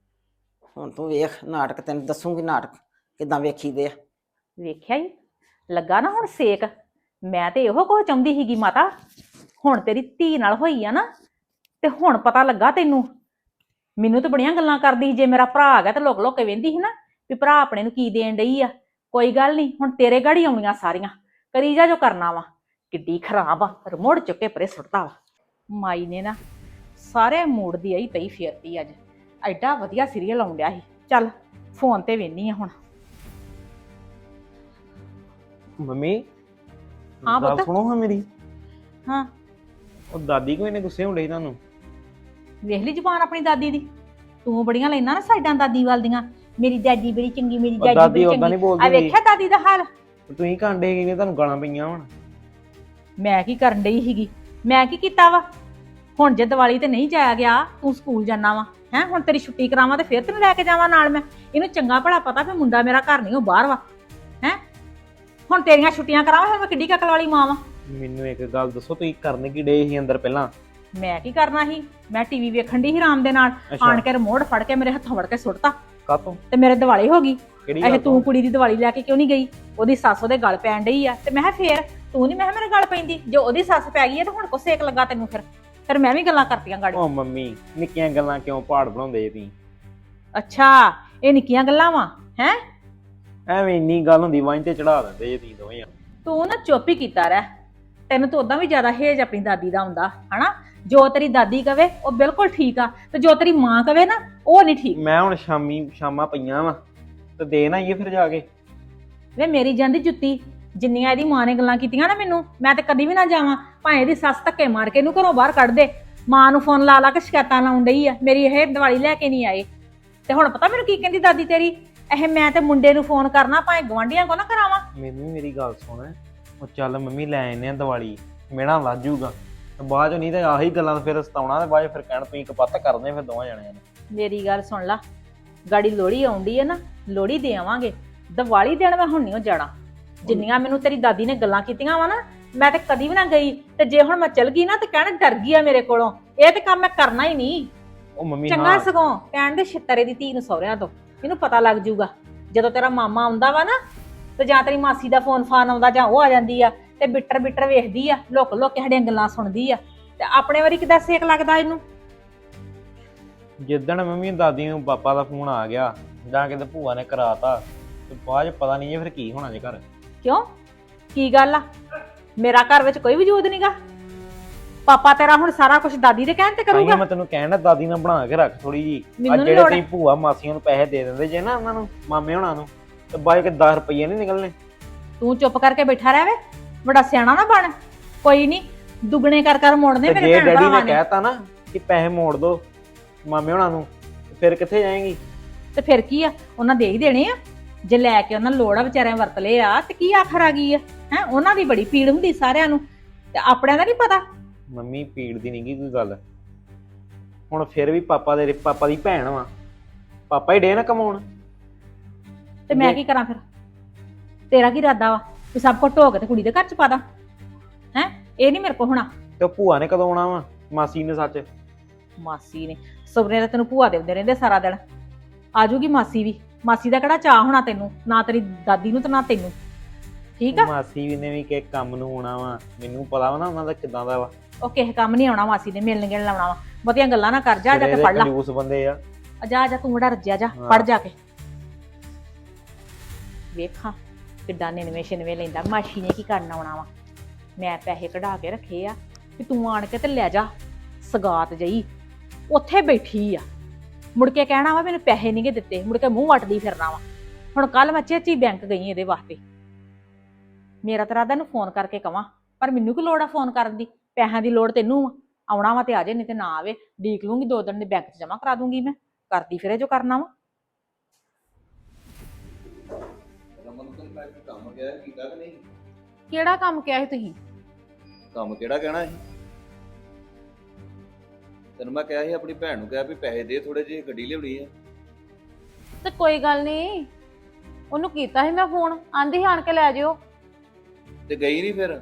S4: ਹੁਣ ਤੂੰ ਵੇਖ ਨਾਟਕ, ਤੈਨੂੰ ਦੱਸੂਗੀ ਨਾਟਕ ਕਿਦਾਂ ਵੇਖੀਦੇ ਆ।
S3: ਵੇਖਿਆ ਹੀ ਲੱਗਾ ਨਾ ਹੁਣ ਸੇਕ। ਮੈਂ ਤੇ ਇਹੋ ਕੁਝ ਚਾਹੁੰਦੀ ਸੀਗੀ ਮਾਤਾ, ਹੁਣ ਤੇਰੀ ਧੀ ਨਾਲ ਹੋਈ ਆ ਨਾ ਤੇ ਹੁਣ ਪਤਾ ਲੱਗਾ ਤੈਨੂੰ। ਮੈਨੂੰ ਤਾਂ ਬੜੀਆਂ ਗੱਲਾਂ ਕਰਦੀ ਸੀ, ਜੇ ਮੇਰਾ ਭਰਾ ਆ ਗਿਆ ਤੇ ਲੋਕ ਲੋਕ ਕੇ ਵੇਂਦੀ ਸੀ ਨਾ ਵੀ ਭਰਾ ਆਪਣੇ ਨੂੰ ਕੀ ਦੇਣ ਡਈ ਆ। ਕੋਈ ਗੱਲ ਨਹੀਂ, ਹੁਣ ਤੇਰੇ ਗਾੜੀ ਆਉਣੀਆਂ ਸਾਰੀਆਂ, ਕਰੀ ਜਾ ਜੋ ਕਰਨਾ ਵਾ। ਕਿੱਡੀ ਖਰਾਬ ਆ, ਰਿਮੋਟ ਚੁੱਕੇ ਪਰੇ ਸੁੱਟਦਾ ਵਾ। ਮਾਈ ਨੇ ਨਾ ਸਾਰੇ ਮੂਡ ਦੀ ਆਈ ਪਈ ਫੇਰਤੀ ਅੱਜ। ਐਡਾ ਵਧੀਆ ਸੀਰੀਅਲ ਆਉਣ ਡਿਆ ਸੀ। ਚੱਲ ਫੋਨ ਤੇ ਵੇਖਨੀ ਆ ਹੁਣ।
S5: ਮੰਮੀ
S3: ਹਾਂ
S5: ਗੱਲ
S3: ਪੁੱਤ।
S5: ਸੁਣੋ ਹਾਂ ਮੇਰੀ।
S3: ਹਾਂ
S5: ਉਹ ਦਾਦੀ ਕੋਈ ਨੇ ਗੁੱਸੇ ਹੁੰਦੇ ਸੀ ਤੁਹਾਨੂੰ?
S3: ਵੇਖ ਲਈ ਜ਼ੁਬਾਨ ਆਪਣੀ ਦਾਦੀ ਦੀ। ਤੂੰ ਬੜੀਆਂ ਲੈਣਾ ਨਾ ਸਾਈਡਾਂ ਦਾਦੀ ਵੱਲ ਦੀਆਂ, ਮੇਰੀ ਦਾਦੀ ਬੜੀ ਚੰਗੀ, ਮੇਰੀ
S5: ਉਹ
S3: ਦਾਦੀ
S5: ਦਾਦੀ
S3: ਬੜੀ
S5: ਓਦਾਂ
S3: ਚੰਗੀ।
S5: ਨਹੀਂ ਬੋਲਦੀ
S3: ਆ ਵੇਖਿਆ ਦਾਦੀ ਦਾ ਹਾਲ?
S5: ਤੁਸੀਂ ਕਾਂਡੇ ਕਿਨੇ ਤੁਹਾਨੂੰ ਗਾਲਾਂ ਪਈਆਂ ਹੁਣ?
S3: ਮੈਂ ਕੀ ਕਰਨ ਡਈ ਸੀਗੀ? ਮੈਂ ਕੀ ਕੀਤਾ ਵਾ? ਹੁਣ ਜੇ ਦੀਵਾਲੀ ਤੇ ਨਹੀਂ ਜਾਇਆ ਗਿਆ, ਤੂੰ ਸਕੂਲ ਜਾਣਾ ਵਾ ਹੈ, ਹੁਣ ਤੇਰੀ ਛੁੱਟੀ ਕਰਾਵਾਂ ਤੇ ਫਿਰ ਤੈਨੂੰ ਲੈ ਕੇ ਜਾਵਾਂ ਨਾਲ ਮੈਂ। ਇਹਨੂੰ ਚੰਗਾ ਭਲਾ ਪਤਾ ਵੀ ਮੁੰਡਾ ਮੇਰਾ ਘਰ ਨਹੀਂ, ਉਹ ਬਾਹਰ ਵਾ ਹੈ। ਹੁਣ ਤੇਰੀਆਂ ਛੁੱਟੀਆਂ ਕਰਾਵਾਂ ਫਿਰ ਮੈਂ ਕਿੱਡੀ ਕਕਲ ਵਾਲੀ ਮਾਂ ਵਾ।
S5: ਮੈਨੂੰ ਇੱਕ ਗੱਲ ਦੱਸੋ, ਤੁਸੀਂ ਕਰਨ ਕੀ ਡੇ ਸੀ ਅੰਦਰ ਪਹਿਲਾਂ?
S3: ਮੈਂ ਕੀ ਕਰਨਾ ਸੀ? ਮੈਂ ਟੀਵੀ ਵੇਖਣ ਦੀ ਸੀ ਆਰਾਮ ਦੇ ਨਾਲ, ਆਣ ਕੇ ਰਿਮੋਟ ਫੜ ਕੇ ਮੇਰੇ ਹੱਥੋਂ ਵੜ ਕੇ ਸੁੱਟਤਾ
S5: ਕਾਤੋਂ?
S3: ਤੇ ਮੇਰੇ ਦਿਵਾਲੀ ਹੋ ਗਈ।
S5: ਕਿਹੜੀ
S3: ਇਹ
S5: ਗੱਲ
S3: ਤੂੰ ਕੁੜੀ ਦੀ ਦਿਵਾਲੀ ਲੈ ਕੇ ਕਿਉਂ ਨਹੀਂ ਗਈ? ਉਹਦੀ ਸੱਸ ਉਹਦੇ ਗਲ ਪੈਣ ਡਈ ਆ ਤੇ ਮੈਂ ਕਿਹਾ ਫੇਰ ਤੂੰ ਨਹੀਂ, ਮੈਂ ਕਿਹਾ ਮੇਰੇ ਗਲ ਪੈਂਦੀ। ਜੋ ਉਹਦੀ ਸੱਸ ਪੈ ਗਈ ਹੈ ਤੇ ਹੁਣ ਕੋ ਸੇਕ ਲੱਗਾ ਤੈਨੂੰ? ਫਿਰ ਫਿਰ ਮੈਂ ਵੀ ਗੱਲਾਂ ਕਰਤੀਆਂ ਗਾੜੀ।
S5: ਉਹ ਮੰਮੀ ਨਿੱਕੀਆਂ ਗੱਲਾਂ ਕਿਉਂ ਪਹਾੜ ਬਣਾਉਂਦੇ ਜੀ ਤੁਸੀਂ?
S3: ਅੱਛਾ ਇਹ ਨਿੱਕੀਆਂ ਗੱਲਾਂ ਵਾ ਹੈ?
S5: ਐਵੇਂ ਇੰਨੀ ਗੱਲ ਹੁੰਦੀ ਵਾਂ ਤੇ ਚੜਾ ਦਿੰਦੇ ਜੀ ਤੁਸੀਂ ਦੋਵੇਂ ਜਾਣੇ।
S3: ਤੂੰ ਨਾ ਚੁੱਪ ਹੀ ਕੀਤਾ ਰਹਿ। ਤੈਨੂੰ ਤਾਂ ਉਦਾਂ ਵੀ ਜ਼ਿਆਦਾ ਹੇਜ ਆਪਣੀ ਦਾਦੀ ਦਾ ਹੁੰਦਾ ਹਨਾ। ਜੋ ਤੇਰੀ ਦਾਦੀ ਕਵੇ ਉਹ ਬਿਲਕੁਲ ਠੀਕ ਆ, ਤੇ ਜੋ ਤੇਰੀ ਮਾਂ ਕਵੇ ਨਾ ਉਹ ਨਹੀਂ ਠੀਕ।
S5: ਮੈਂ ਹੁਣ ਸ਼ਾਮੀ ਸ਼ਾਮਾਂ ਪਈਆਂ ਵਾ ਤੇ ਦੇ ਨਾ ਆਈਏ ਫਿਰ ਜਾ ਕੇ।
S3: ਵੇ ਮੇਰੀ ਜਾਂਦੀ ਜੁੱਤੀ, ਜਿੰਨੀਆਂ ਇਹਦੀ ਮਾਂ ਨੇ ਗੱਲਾਂ ਕੀਤੀਆਂ ਨਾ ਮੈਨੂੰ, ਮੈਂ ਤੇ ਕਦੀ ਵੀ ਨਾ ਜਾਵਾਂ, ਭਾਵੇਂ ਇਹਦੀ ਸੱਸ ਧੱਕੇ ਮਾਰ ਕੇ ਇਹਨੂੰ ਘਰੋਂ ਬਾਹਰ ਕੱਢ ਦੇ। ਮਾਂ ਨੂੰ ਫੋਨ ਲਾ ਲਾ ਕੇ ਸ਼ਿਕਾਇਤਾਂ ਲਾਉਣ ਡਈ ਆ ਮੇਰੀ, ਇਹ ਦੀਵਾਲੀ ਲੈ ਕੇ ਨਹੀਂ ਆਏ। ਤੇ ਹੁਣ ਪਤਾ ਮੈਨੂੰ ਕੀ ਕਹਿੰਦੀ ਦਾਦੀ ਤੇਰੀ, ਇਹ ਮੈਂ ਤੇ ਮੁੰਡੇ ਨੂੰ ਫੋਨ ਕਰਨਾ, ਭਾਵੇਂ ਗਵਾਂਢੀਆਂ ਕੋ ਨਾ ਕਰਾਵਾਂ।
S5: ਮੈਨੂੰ ਮੇਰੀ ਗੱਲ ਸੁਣ, ਉਹ ਚੱਲ ਮੰਮੀ ਲੈ ਆਨੇ ਆ ਦੀਵਾਲੀ, ਮੇਣਾ ਲੱਜ ਜੂਗਾ ਤੇ ਬਾਅਦ ਚ ਨਹੀਂ ਤੇ ਆਹੀ ਗੱਲਾਂ ਫਿਰ ਸਤਾਉਣਾ, ਤੇ ਬਾਅਦ ਚ ਫਿਰ ਕਹਿਣ ਤੁਸੀਂ ਕਪੱਤ ਕਰਦੇ ਫਿਰ ਦੋਵਾਂ ਜਣਿਆਂ ਨੇ।
S3: ਮੇਰੀ ਗੱਲ ਸੁਣ ਲਾ, ਗਾੜੀ ਲੋਹੜੀ ਆਉਂਦੀ ਹੈ ਨਾ, ਲੋਹੜੀ ਦੇ ਆਵਾਂਗੇ, ਦੀਵਾਲੀ ਦੇਣ ਮੈਂ ਹੁਣ ਨਹੀਂ ਜਾਣਾ। ਜਿੰਨੀਆਂ ਮੈਨੂੰ ਤੇਰੀ ਦਾਦੀ ਨੇ ਗੱਲਾਂ ਕੀਤੀਆਂ ਵਾ ਨਾ, ਮੈਂ ਤੇ ਕਦੀ ਵੀ ਨਾ ਗਈ। ਤੇ ਜੇ ਹੁਣ ਮੈਂ ਚਲ ਗਈ ਨਾ ਤੇ ਕਹਿਣ ਡਰ ਗਈ ਆ ਮੇਰੇ ਕੋਲੋਂ, ਇਹ ਤੇ ਕੰਮ ਮੈਂ ਕਰਨਾ ਹੀ ਨਹੀਂ।
S5: ਉਹ ਮੰਮੀ
S3: ਚੰਗਾ
S5: ਹਾਂ
S3: ਸਗੋਂ ਕਹਿਣ ਦੇ ਛਿੱਤਰੇ ਦੀ ਧੀ ਨੂੰ ਸਹੁਰਿਆਂ ਤੋਂ, ਇਹਨੂੰ ਪਤਾ ਲੱਗ ਜੂਗਾ ਜਦੋਂ ਤੇਰਾ ਮਾਮਾ ਆਉਂਦਾ ਵਾ ਨਾ, ਤੇ ਜਾਂ ਤੇਰੀ ਮਾਸੀ ਦਾ ਫੋਨ ਫਾਨ ਆਉਂਦਾ, ਜਾਂ ਉਹ ਆ ਜਾਂਦੀ ਆ ਤੇ ਬਿੱਟਰ ਬਿੱਟਰ ਵੇਖਦੀ ਆ, ਲੁੱਕ ਲੁੱਕ ਕੇ ਸਾਡੀਆਂ ਗੱਲਾਂ ਸੁਣਦੀ ਆ, ਤੇ ਆਪਣੇ ਵਾਰੀ ਕਿਦਾਂ ਸੇਕ ਲੱਗਦਾ ਇਹਨੂੰ।
S5: ਜਿੱਦਣ ਮੰਮੀ ਦਾਦੀ ਨੂੰ ਪਾਪਾ ਦਾ ਫੋਨ ਆ ਗਿਆ ਜਾਂ ਕਿਤੇ ਭੂਆ ਨੇ ਕਰਾਤਾ, ਤੇ ਬਾਅਦ ਚ ਪਤਾ ਨਹੀਂ ਫਿਰ ਕੀ ਹੋਣਾ ਜੇ ਘਰ।
S3: ਕਿਉਂ, ਕੀ ਗੱਲ ਆ? ਮੇਰਾ ਘਰ ਵਿੱਚ ਕੋਈ ਵਜੂਦ ਨਹੀਂਗਾ। ਪਾਪਾ ਤੇਰਾ ਹੁਣ ਸਾਰਾ ਕੁਝ ਦਾਦੀ ਦੇ ਕਹਿਣ ਤੇ ਕਰੂਗਾ।
S5: ਮੈਂ ਤੈਨੂੰ ਕਹਿਣਾ ਦਾਦੀ ਨਾਲ ਬਣਾ ਕੇ ਰੱਖ ਥੋੜੀ ਜੀ।
S3: ਮੈਨੂੰ
S5: ਅੱਜ
S3: ਨੀ
S5: ਜਿਹੜੇ
S3: ਲੋੜ।
S5: ਤੁਸੀਂ ਭੂਆ ਮਾਸੀਆਂ ਨੂੰ ਪੈਸੇ ਦੇ ਦਿੰਦੇ ਜੇ ਨਾ ਉਹਨਾਂ ਨੂੰ, ਮਾਮੇ ਹੋਣਾ ਨੂੰ, ਤੇ ਬਾਅਦ ਚ ਦਸ ਰੁਪਏ ਨਹੀਂ ਨਿਕਲਣੇ।
S3: ਤੂੰ ਚੁੱਪ ਕਰਕੇ ਬੈਠਾ ਰਹਿ ਵੇ, ਬੜਾ ਸਿਆਣਾ ਨਾ ਬਣ। ਕੋਈ ਨਹੀਂ, ਦੁੱਗਣੇ ਕਰ ਕਰ ਮੋੜਨੇ
S5: ਤੇ
S3: ਮੇਰੇ
S5: ਜੇ
S3: ਭੈਣ
S5: ਡੈਡੀ
S3: ਭਰਾਵਾਂ
S5: ਨੇ
S3: ਨੇ।
S5: ਕਹਿਤਾ ਨਾ ਕਿ ਪੈਸੇ ਮੋੜ ਦੋ ਮਾਮੇ ਹੋਣਾ ਨੂੰ, ਫਿਰ ਕਿੱਥੇ ਜਾਏਂਗੀ?
S3: ਤੇ ਫਿਰ ਕੀ ਆ, ਉਹਨਾਂ ਦੇ ਹੀ ਦੇਣੇ ਆ। ਜੇ ਲੈ ਕੇ ਉਹਨਾਂ ਲੋੜ ਆ ਵਿਚਾਰਿਆਂ ਵਰਤ ਲਏ ਆ, ਤੇ ਕੀ ਆਖਰ ਆ ਗਈ ਆ? ਹੈ ਉਹਨਾਂ ਦੀ ਬੜੀ ਪੀੜ ਹੁੰਦੀ ਸਾਰਿਆਂ ਨੂੰ, ਤੇ ਆਪਣਿਆਂ ਦਾ ਨਹੀਂ ਪਤਾ।
S5: ਮੰਮੀ ਪੀੜ ਦੀ ਨੀ ਗੀ ਕੋਈ ਗੱਲ, ਹੁਣ ਫਿਰ ਵੀ ਪਾਪਾ ਦੇ ਪਾਪਾ ਦੀ ਭੈਣ ਵਾ, ਪਾਪਾ ਹੀ ਡੇ ਨਾ ਕਮਾਉਣ।
S3: ਤੇ ਮੈਂ ਕੀ ਕਰਾਂ ਫਿਰ? ਤੇਰਾ ਕੀ ਇਰਾਦਾ ਵਾ ਵੀ ਸਭ ਕੁਝ ਢੋ ਕੇ ਤੇ ਕੁੜੀ ਦੇ ਘਰ ਚ ਪਾ ਦਾਂ? ਹੈ ਇਹ ਨਹੀਂ ਮੇਰੇ ਕੋਲ ਹੋਣਾ।
S5: ਤੇ ਉਹ ਭੂਆ ਨੇ ਕਦੋਂ ਆਉਣਾ ਵਾ? ਮਾਸੀ ਨੇ ਸੱਚ।
S3: ਮਾਸੀ ਨੇ ਸੁਪਨੇ ਤਾਂ ਤੈਨੂੰ ਭੂਆ ਦੇਉਂਦੇ ਰਹਿੰਦੇ ਸਾਰਾ ਦਿਨ। ਆਜੂਗੀ ਮਾਸੀ ਵੀ, ਮਾਸੀ ਦਾ ਕਿਹੜਾ ਚਾਹ ਹੋਣਾ ਤੈਨੂੰ, ਨਾ ਤੇਰੀ ਦਾਦੀ ਨੂੰ ਤੇ ਨਾ ਤੈਨੂੰ। ਠੀਕ ਆ,
S5: ਮਾਸੀ ਵੀ ਨੇ ਵੀ ਕਿ ਕੰਮ ਨੂੰ ਆਉਣਾ ਵਾ, ਮੈਨੂੰ ਪਤਾ ਵਾ ਨਾ ਉਹਨਾਂ ਦਾ ਕਿਦਾਂ ਦਾ ਵਾ।
S3: ਉਹ ਕਿਸੇ ਕੰਮ ਨਹੀਂ ਆਉਣਾ ਮਾਸੀ ਨੇ, ਮਿਲਣ ਗਿਲਣ ਲਾਉਣਾ ਵਾ। ਬਹੁਤੀਆਂ ਗੱਲਾਂ ਨਾ ਕਰ, ਜਾ ਜਾ ਕੇ ਫੜ ਲਾ।
S5: ਕੰਜੂਸ ਬੰਦੇ ਆ।
S3: ਆ ਜਾ ਜਾ ਤੂੰ ਬੜਾ ਰੱਜਿਆ, ਜਾ
S5: ਹਾਂ।
S3: ਫੜ ਜਾ ਕੇ। ਵੇਖਾਂ ਕਿੱਡਾ ਨਿਨਵੇਂ ਛਿਨਵੇਂ ਲੈਂਦਾ, ਮਾਸੀ ਨੇ ਕੀ ਕਰਨ ਆਉਣਾ ਵਾ। ਮੈਂ ਪੈਸੇ ਕਢਾ ਕੇ ਰੱਖੇ ਆ ਵੀ ਤੂੰ ਆਣ ਕੇ ਤੇ ਲੈ ਜਾ। ਸਗਾਤ ਜਈ ਉੱਥੇ ਬੈਠੀ ਆ, ਮੁੜ ਕੇ ਕਹਿਣਾ ਵਾ ਮੈਨੂੰ ਪੈਸੇ ਨਹੀਂ ਗੇ ਦਿੱਤੇ, ਮੁੜ ਕੇ ਮੂੰਹ ਵੱਟਦੀ ਫਿਰਨਾ ਵਾ। ਹੁਣ ਕੱਲ ਮੈਂ ਚੇਚੀ ਬੈਂਕ ਗਈ ਇਹਦੇ ਵਾਸਤੇ। ਮੇਰਾ ਤਾਂ ਰਾਦਾ ਨੂੰ ਫੋਨ ਕਰਕੇ ਕਵਾਂ, ਪਰ ਮੈਨੂੰ ਕੀ ਲੋੜ ਆ ਫੋਨ ਕਰਨ ਦੀ? ਪੈਸਿਆਂ ਦੀ ਲੋੜ ਤੈਨੂੰ ਆ, ਆਉਣਾ ਵਾ ਤੇ ਆ ਜੇ, ਨਹੀਂ ਤੇ ਨਾ ਆਵੇ। ਡੀਕ ਲੂੰਗੀ, ਦੋ ਦਿਨ ਦੇ ਬੈਂਕ 'ਚ ਜਮਾ ਕਰਾ ਦੂੰਗੀ ਮੈਂ, ਕਰਦੀ ਫਿਰੇ ਜੋ ਕਰਨਾ ਵਾ।
S6: ਕੰਮ ਕਿਹਾ ਕੀਤਾ ਕਿ ਨਹੀਂ?
S1: ਕਿਹੜਾ ਕੰਮ ਕਿਹਾ ਸੀ ਤੁਸੀਂ?
S6: ਕੰਮ ਕਿਹੜਾ ਕਹਿਣਾ ਸੀ? ਤੈਨੂੰ ਮੈਂ ਕਿਹਾ ਸੀ ਆਪਣੀ ਭੈਣ ਨੂੰ ਕਿਹਾ ਵੀ ਪੈਸੇ ਦੇ ਥੋੜੇ ਜਿਹੇ, ਗੱਡੀ ਲਿਆਉਣੀ ਆ।
S1: ਤੇ ਕੋਈ ਗੱਲ ਨਹੀਂ, ਉਹਨੂੰ ਕੀਤਾ ਸੀ ਮੈਂ ਫੋਨ, ਆਂਦੀ ਸੀ ਆਣ ਕੇ ਲੈ ਜਿਓ।
S6: ਤੇ ਗਈ ਨਹੀਂ ਫਿਰ?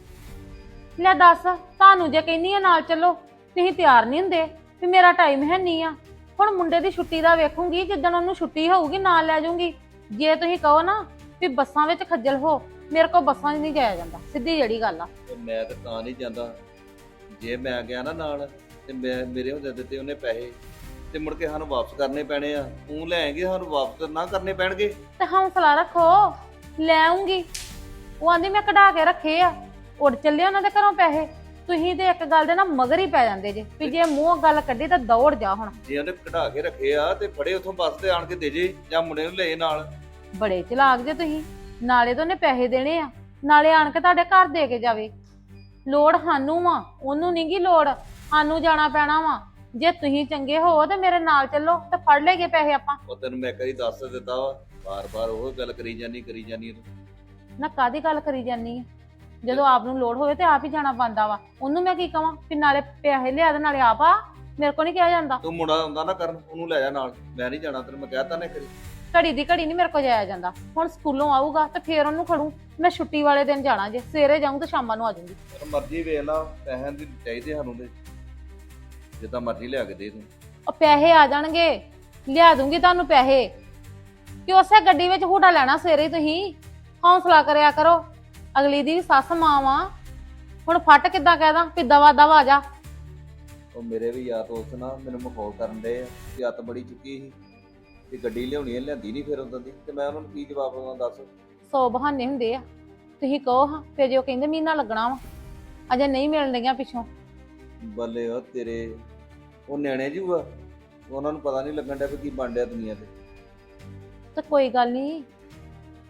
S1: ਲੈ ਦੱਸ, ਤੁਹਾਨੂੰ ਜੇ ਕਹਿੰਨੀ ਆ ਨਾਲ ਚੱਲੋ, ਤੁਸੀਂ ਤਿਆਰ ਨਹੀਂ ਹੁੰਦੇ ਵੀ ਮੇਰਾ ਟਾਈਮ ਹੈ ਨਹੀਂ ਆ। ਹੁਣ ਮੁੰਡੇ ਦੀ ਛੁੱਟੀ ਦਾ ਵੇਖੂੰਗੀ, ਜਿੱਦਣ ਉਹਨੂੰ ਛੁੱਟੀ ਹੋਊਗੀ ਨਾਲ ਲੈ ਜਾਊਂਗੀ। ਜੇ ਤੁਸੀਂ ਕਹੋ ਨਾ ਵੀ ਬੱਸਾਂ ਵਿੱਚ ਖੱਜਲ ਹੋ, ਮੇਰੇ ਕੋਲ ਬੱਸਾਂ 'ਚ ਨਹੀਂ ਜਾਇਆ ਜਾਂਦਾ, ਸਿੱਧੀ ਜਿਹੜੀ ਗੱਲ ਆ।
S6: ਤੇ ਮੈਂ ਤਾਂ ਤਾਂ ਨਹੀਂ ਜਾਂਦਾ, ਜੇ ਮੈਂ ਗਿਆ ਨਾ ਨਾਲ ਤੇ ਮੈਂ ਮੇਰੇ ਹੁੰਦੇ ਦਿੱਤੇ ਉਹਨੇ ਪੈਸੇ, ਤੇ ਮੁੜ ਕੇ ਸਾਨੂੰ ਵਾਪਸ ਕਰਨੇ ਪੈਣੇ ਆ। ਤੂੰ ਲੈ ਆਏਂਗੇ, ਸਾਨੂੰ ਵਾਪਸ ਨਾ ਕਰਨੇ ਪੈਣਗੇ।
S1: ਤੇ ਹੌਸਲਾ ਰੱਖੋ, ਲੈ ਆਉਂਗੀ। ਉਹ ਆਂਦੀ ਮੈਂ ਕਢਾ ਕੇ ਰੱਖੇ ਆ, ਉੱਡ ਚੱਲੇ ਉਹਨਾਂ ਦੇ ਘਰੋਂ ਪੈਸੇ। ਤੁਸੀਂ ਤੇ ਇੱਕ ਗੱਲ ਦੇ ਨਾ ਮਗਰ ਹੀ ਪੈ ਜਾਂਦੇ ਜੇ ਵੀ ਜੇ ਮੂੰਹ ਗੱਲ ਕੱਢੀ ਤਾਂ ਦੌੜ ਜਾ। ਹੁਣ
S6: ਜੇ ਉਹਨੇ ਕਢਾ ਕੇ ਰੱਖੇ ਆ ਤੇ ਫੜੇ ਉੱਥੋਂ ਬੱਸ ਤੇ ਆਣ ਕੇ ਦੇ ਜੇ, ਜਾਂ ਮੁੰਡੇ ਨੂੰ ਲੈ ਨਾਲ।
S1: ਬੜੇ ਚਲਾਕ ਜੇ ਤੁਸੀਂ, ਨਾਲੇ ਤਾਂ ਉਹਨੇ ਪੈਸੇ ਦੇਣੇ ਆ, ਨਾਲੇ ਆਣ ਕੇ ਤੁਹਾਡੇ ਘਰ ਦੇ ਕੇ ਜਾਵੇ। ਲੋੜ ਸਾਨੂੰ ਵਾ, ਉਹਨੂੰ ਨੀ ਗੀ ਲੋੜ। ਸਾਨੂੰ ਜਾਣਾ ਪੈਣਾ ਵਾ। ਜੇ ਤੁਸੀਂ ਚੰਗੇ ਹੋ ਤੇ ਮੇਰੇ ਨਾਲ ਚੱਲੋ ਤੇ ਫੜ ਲੇਗੇ ਪੈਸੇ ਆਪਾਂ।
S6: ਉਹ ਤੈਨੂੰ ਮੈਂ ਕਦੀ ਦੱਸ ਦਿੱਤਾ ਵਾ, ਬਾਰ-ਬਾਰ ਉਹ ਗੱਲ ਕਰੀ ਜਾਨੀ ਕਰੀ ਜਾਨੀ ਤੂੰ।
S1: ਨਾ ਕਾਦੀ ਗੱਲ ਕਰੀ ਜਾਨੀ ਆ? ਜਦੋਂ ਆਪ ਨੂੰ ਲੋੜ ਹੋਵੇ ਤੇ ਆਪ ਹੀ ਜਾਣਾ ਪੈਂਦਾ ਵਾ। ਉਹਨੂੰ ਮੈਂ ਕੀ ਕਵਾਂ ਵੀ ਨਾਲੇ ਪੈਸੇ ਲਿਆ ਤੇ ਨਾਲੇ ਆਪ ਆ? ਮੇਰੇ ਕੋ ਨਹੀਂ ਕਿਹਾ ਜਾਂਦਾ।
S6: ਤੂੰ ਮੁੰਡਾ ਹੁੰਦਾ ਨਾ ਕਰਨ, ਉਹਨੂੰ ਲੈ ਜਾ ਨਾਲ। ਮੈਂ ਨਹੀਂ ਜਾਣਾ, ਤੈਨੂੰ ਮੈਂ ਕਹਿਤਾ ਨਾ ਕਰੀ।
S1: ਘੜੀ ਦੀ ਘੜੀ ਨਹੀਂ ਮੇਰੇ ਕੋ ਜਾਇਆ ਜਾਂਦਾ। ਹੁਣ ਸਕੂਲੋਂ ਆਊਗਾ ਤੇ ਫੇਰ ਉਹਨੂੰ ਖੜੂ। ਮੈਂ ਛੁੱਟੀ ਵਾਲੇ ਦਿਨ ਜਾਣਾ, ਜੇ ਸਵੇਰੇ ਜਾਊਂ ਤੇ ਸ਼ਾਮਾਂ ਨੂੰ ਆ ਜਾਊਂਗੀ।
S6: ਪਰ ਮਰਜ਼ੀ ਵੇਖ ਲਾ, ਪੈਸਿਆਂ ਦੀ ਚਾਹੀਦੇ ਸਾਨੂੰ ਤੇ ਜਿੱਦਾਂ ਮਰਜ਼ੀ ਲਿਆ ਕੇ ਦੇ ਤੂੰ।
S1: ਉਹ ਪੈਸੇ ਆ ਜਾਣਗੇ, ਲਿਆ ਦੂੰਗੀ ਤੁਹਾਨੂੰ ਪੈਸੇ। ਕਿ ਉਸੇ ਗੱਡੀ ਵਿੱਚ ਹੂਟਾ ਲੈਣਾ ਸਵੇਰੇ ਹੀ। ਤੁਸੀਂ ਹੌਸਲਾ ਕਰਿਆ ਕਰੋ, ਅਗਲੀ ਦੀ ਵੀ ਸੱਸ ਮਾਂ ਵਾ। ਹੁਣ ਫੱਟ ਕਿੱਦਾਂ ਕਹਿਦਾ ਵੀ ਦਵਾ ਦਵਾ ਆ ਜਾ।
S6: ਉਹ ਮੇਰੇ ਵੀ ਯਾਰ ਦੋਸਤ ਨਾ ਮੈਨੂੰ ਮਖੌਲ ਕਰਨ ਦੇ ਆ ਕਿ ਅੱਤ ਬੜੀ ਚੁੱਕੀ ਸੀ ਤੇ ਗੱਡੀ ਲਿਆਉਣੀ ਹੈ, ਲਿਆਂਦੀ ਨਹੀਂ ਫਿਰ ਉਦੋਂ ਦੀ। ਤੇ ਮੈਂ ਉਹਨਾਂ ਨੂੰ ਕੀ ਜਵਾਬ ਦੇਵਾਂ ਦੱਸ?
S1: ਸੌ ਬਹਾਨੇ ਹੁੰਦੇ ਆ। ਤੁਸੀਂ ਕਹੋ ਹਾਂ, ਫਿਰ ਜੇ ਉਹ ਕਹਿੰਦੇ ਮਹੀਨਾ ਲੱਗਣਾ ਵਾ, ਅਜੇ ਨਹੀਂ ਮਿਲਣ ਲੱਗਿਆ ਪਿੱਛੋਂ।
S6: ਬੱਲੇ ਉਹ ਤੇਰੇ, ਉਹ ਨਿਆਣੇ ਜੂਆ, ਉਹਨਾਂ ਨੂੰ ਪਤਾ ਨਹੀਂ ਲੱਗਣ ਡਿਆ ਵੀ ਕੀ ਬਣ ਡਿਆ ਦੁਨੀਆ ਤੇ।
S1: ਤੇ ਕੋਈ ਗੱਲ ਨਹੀਂ,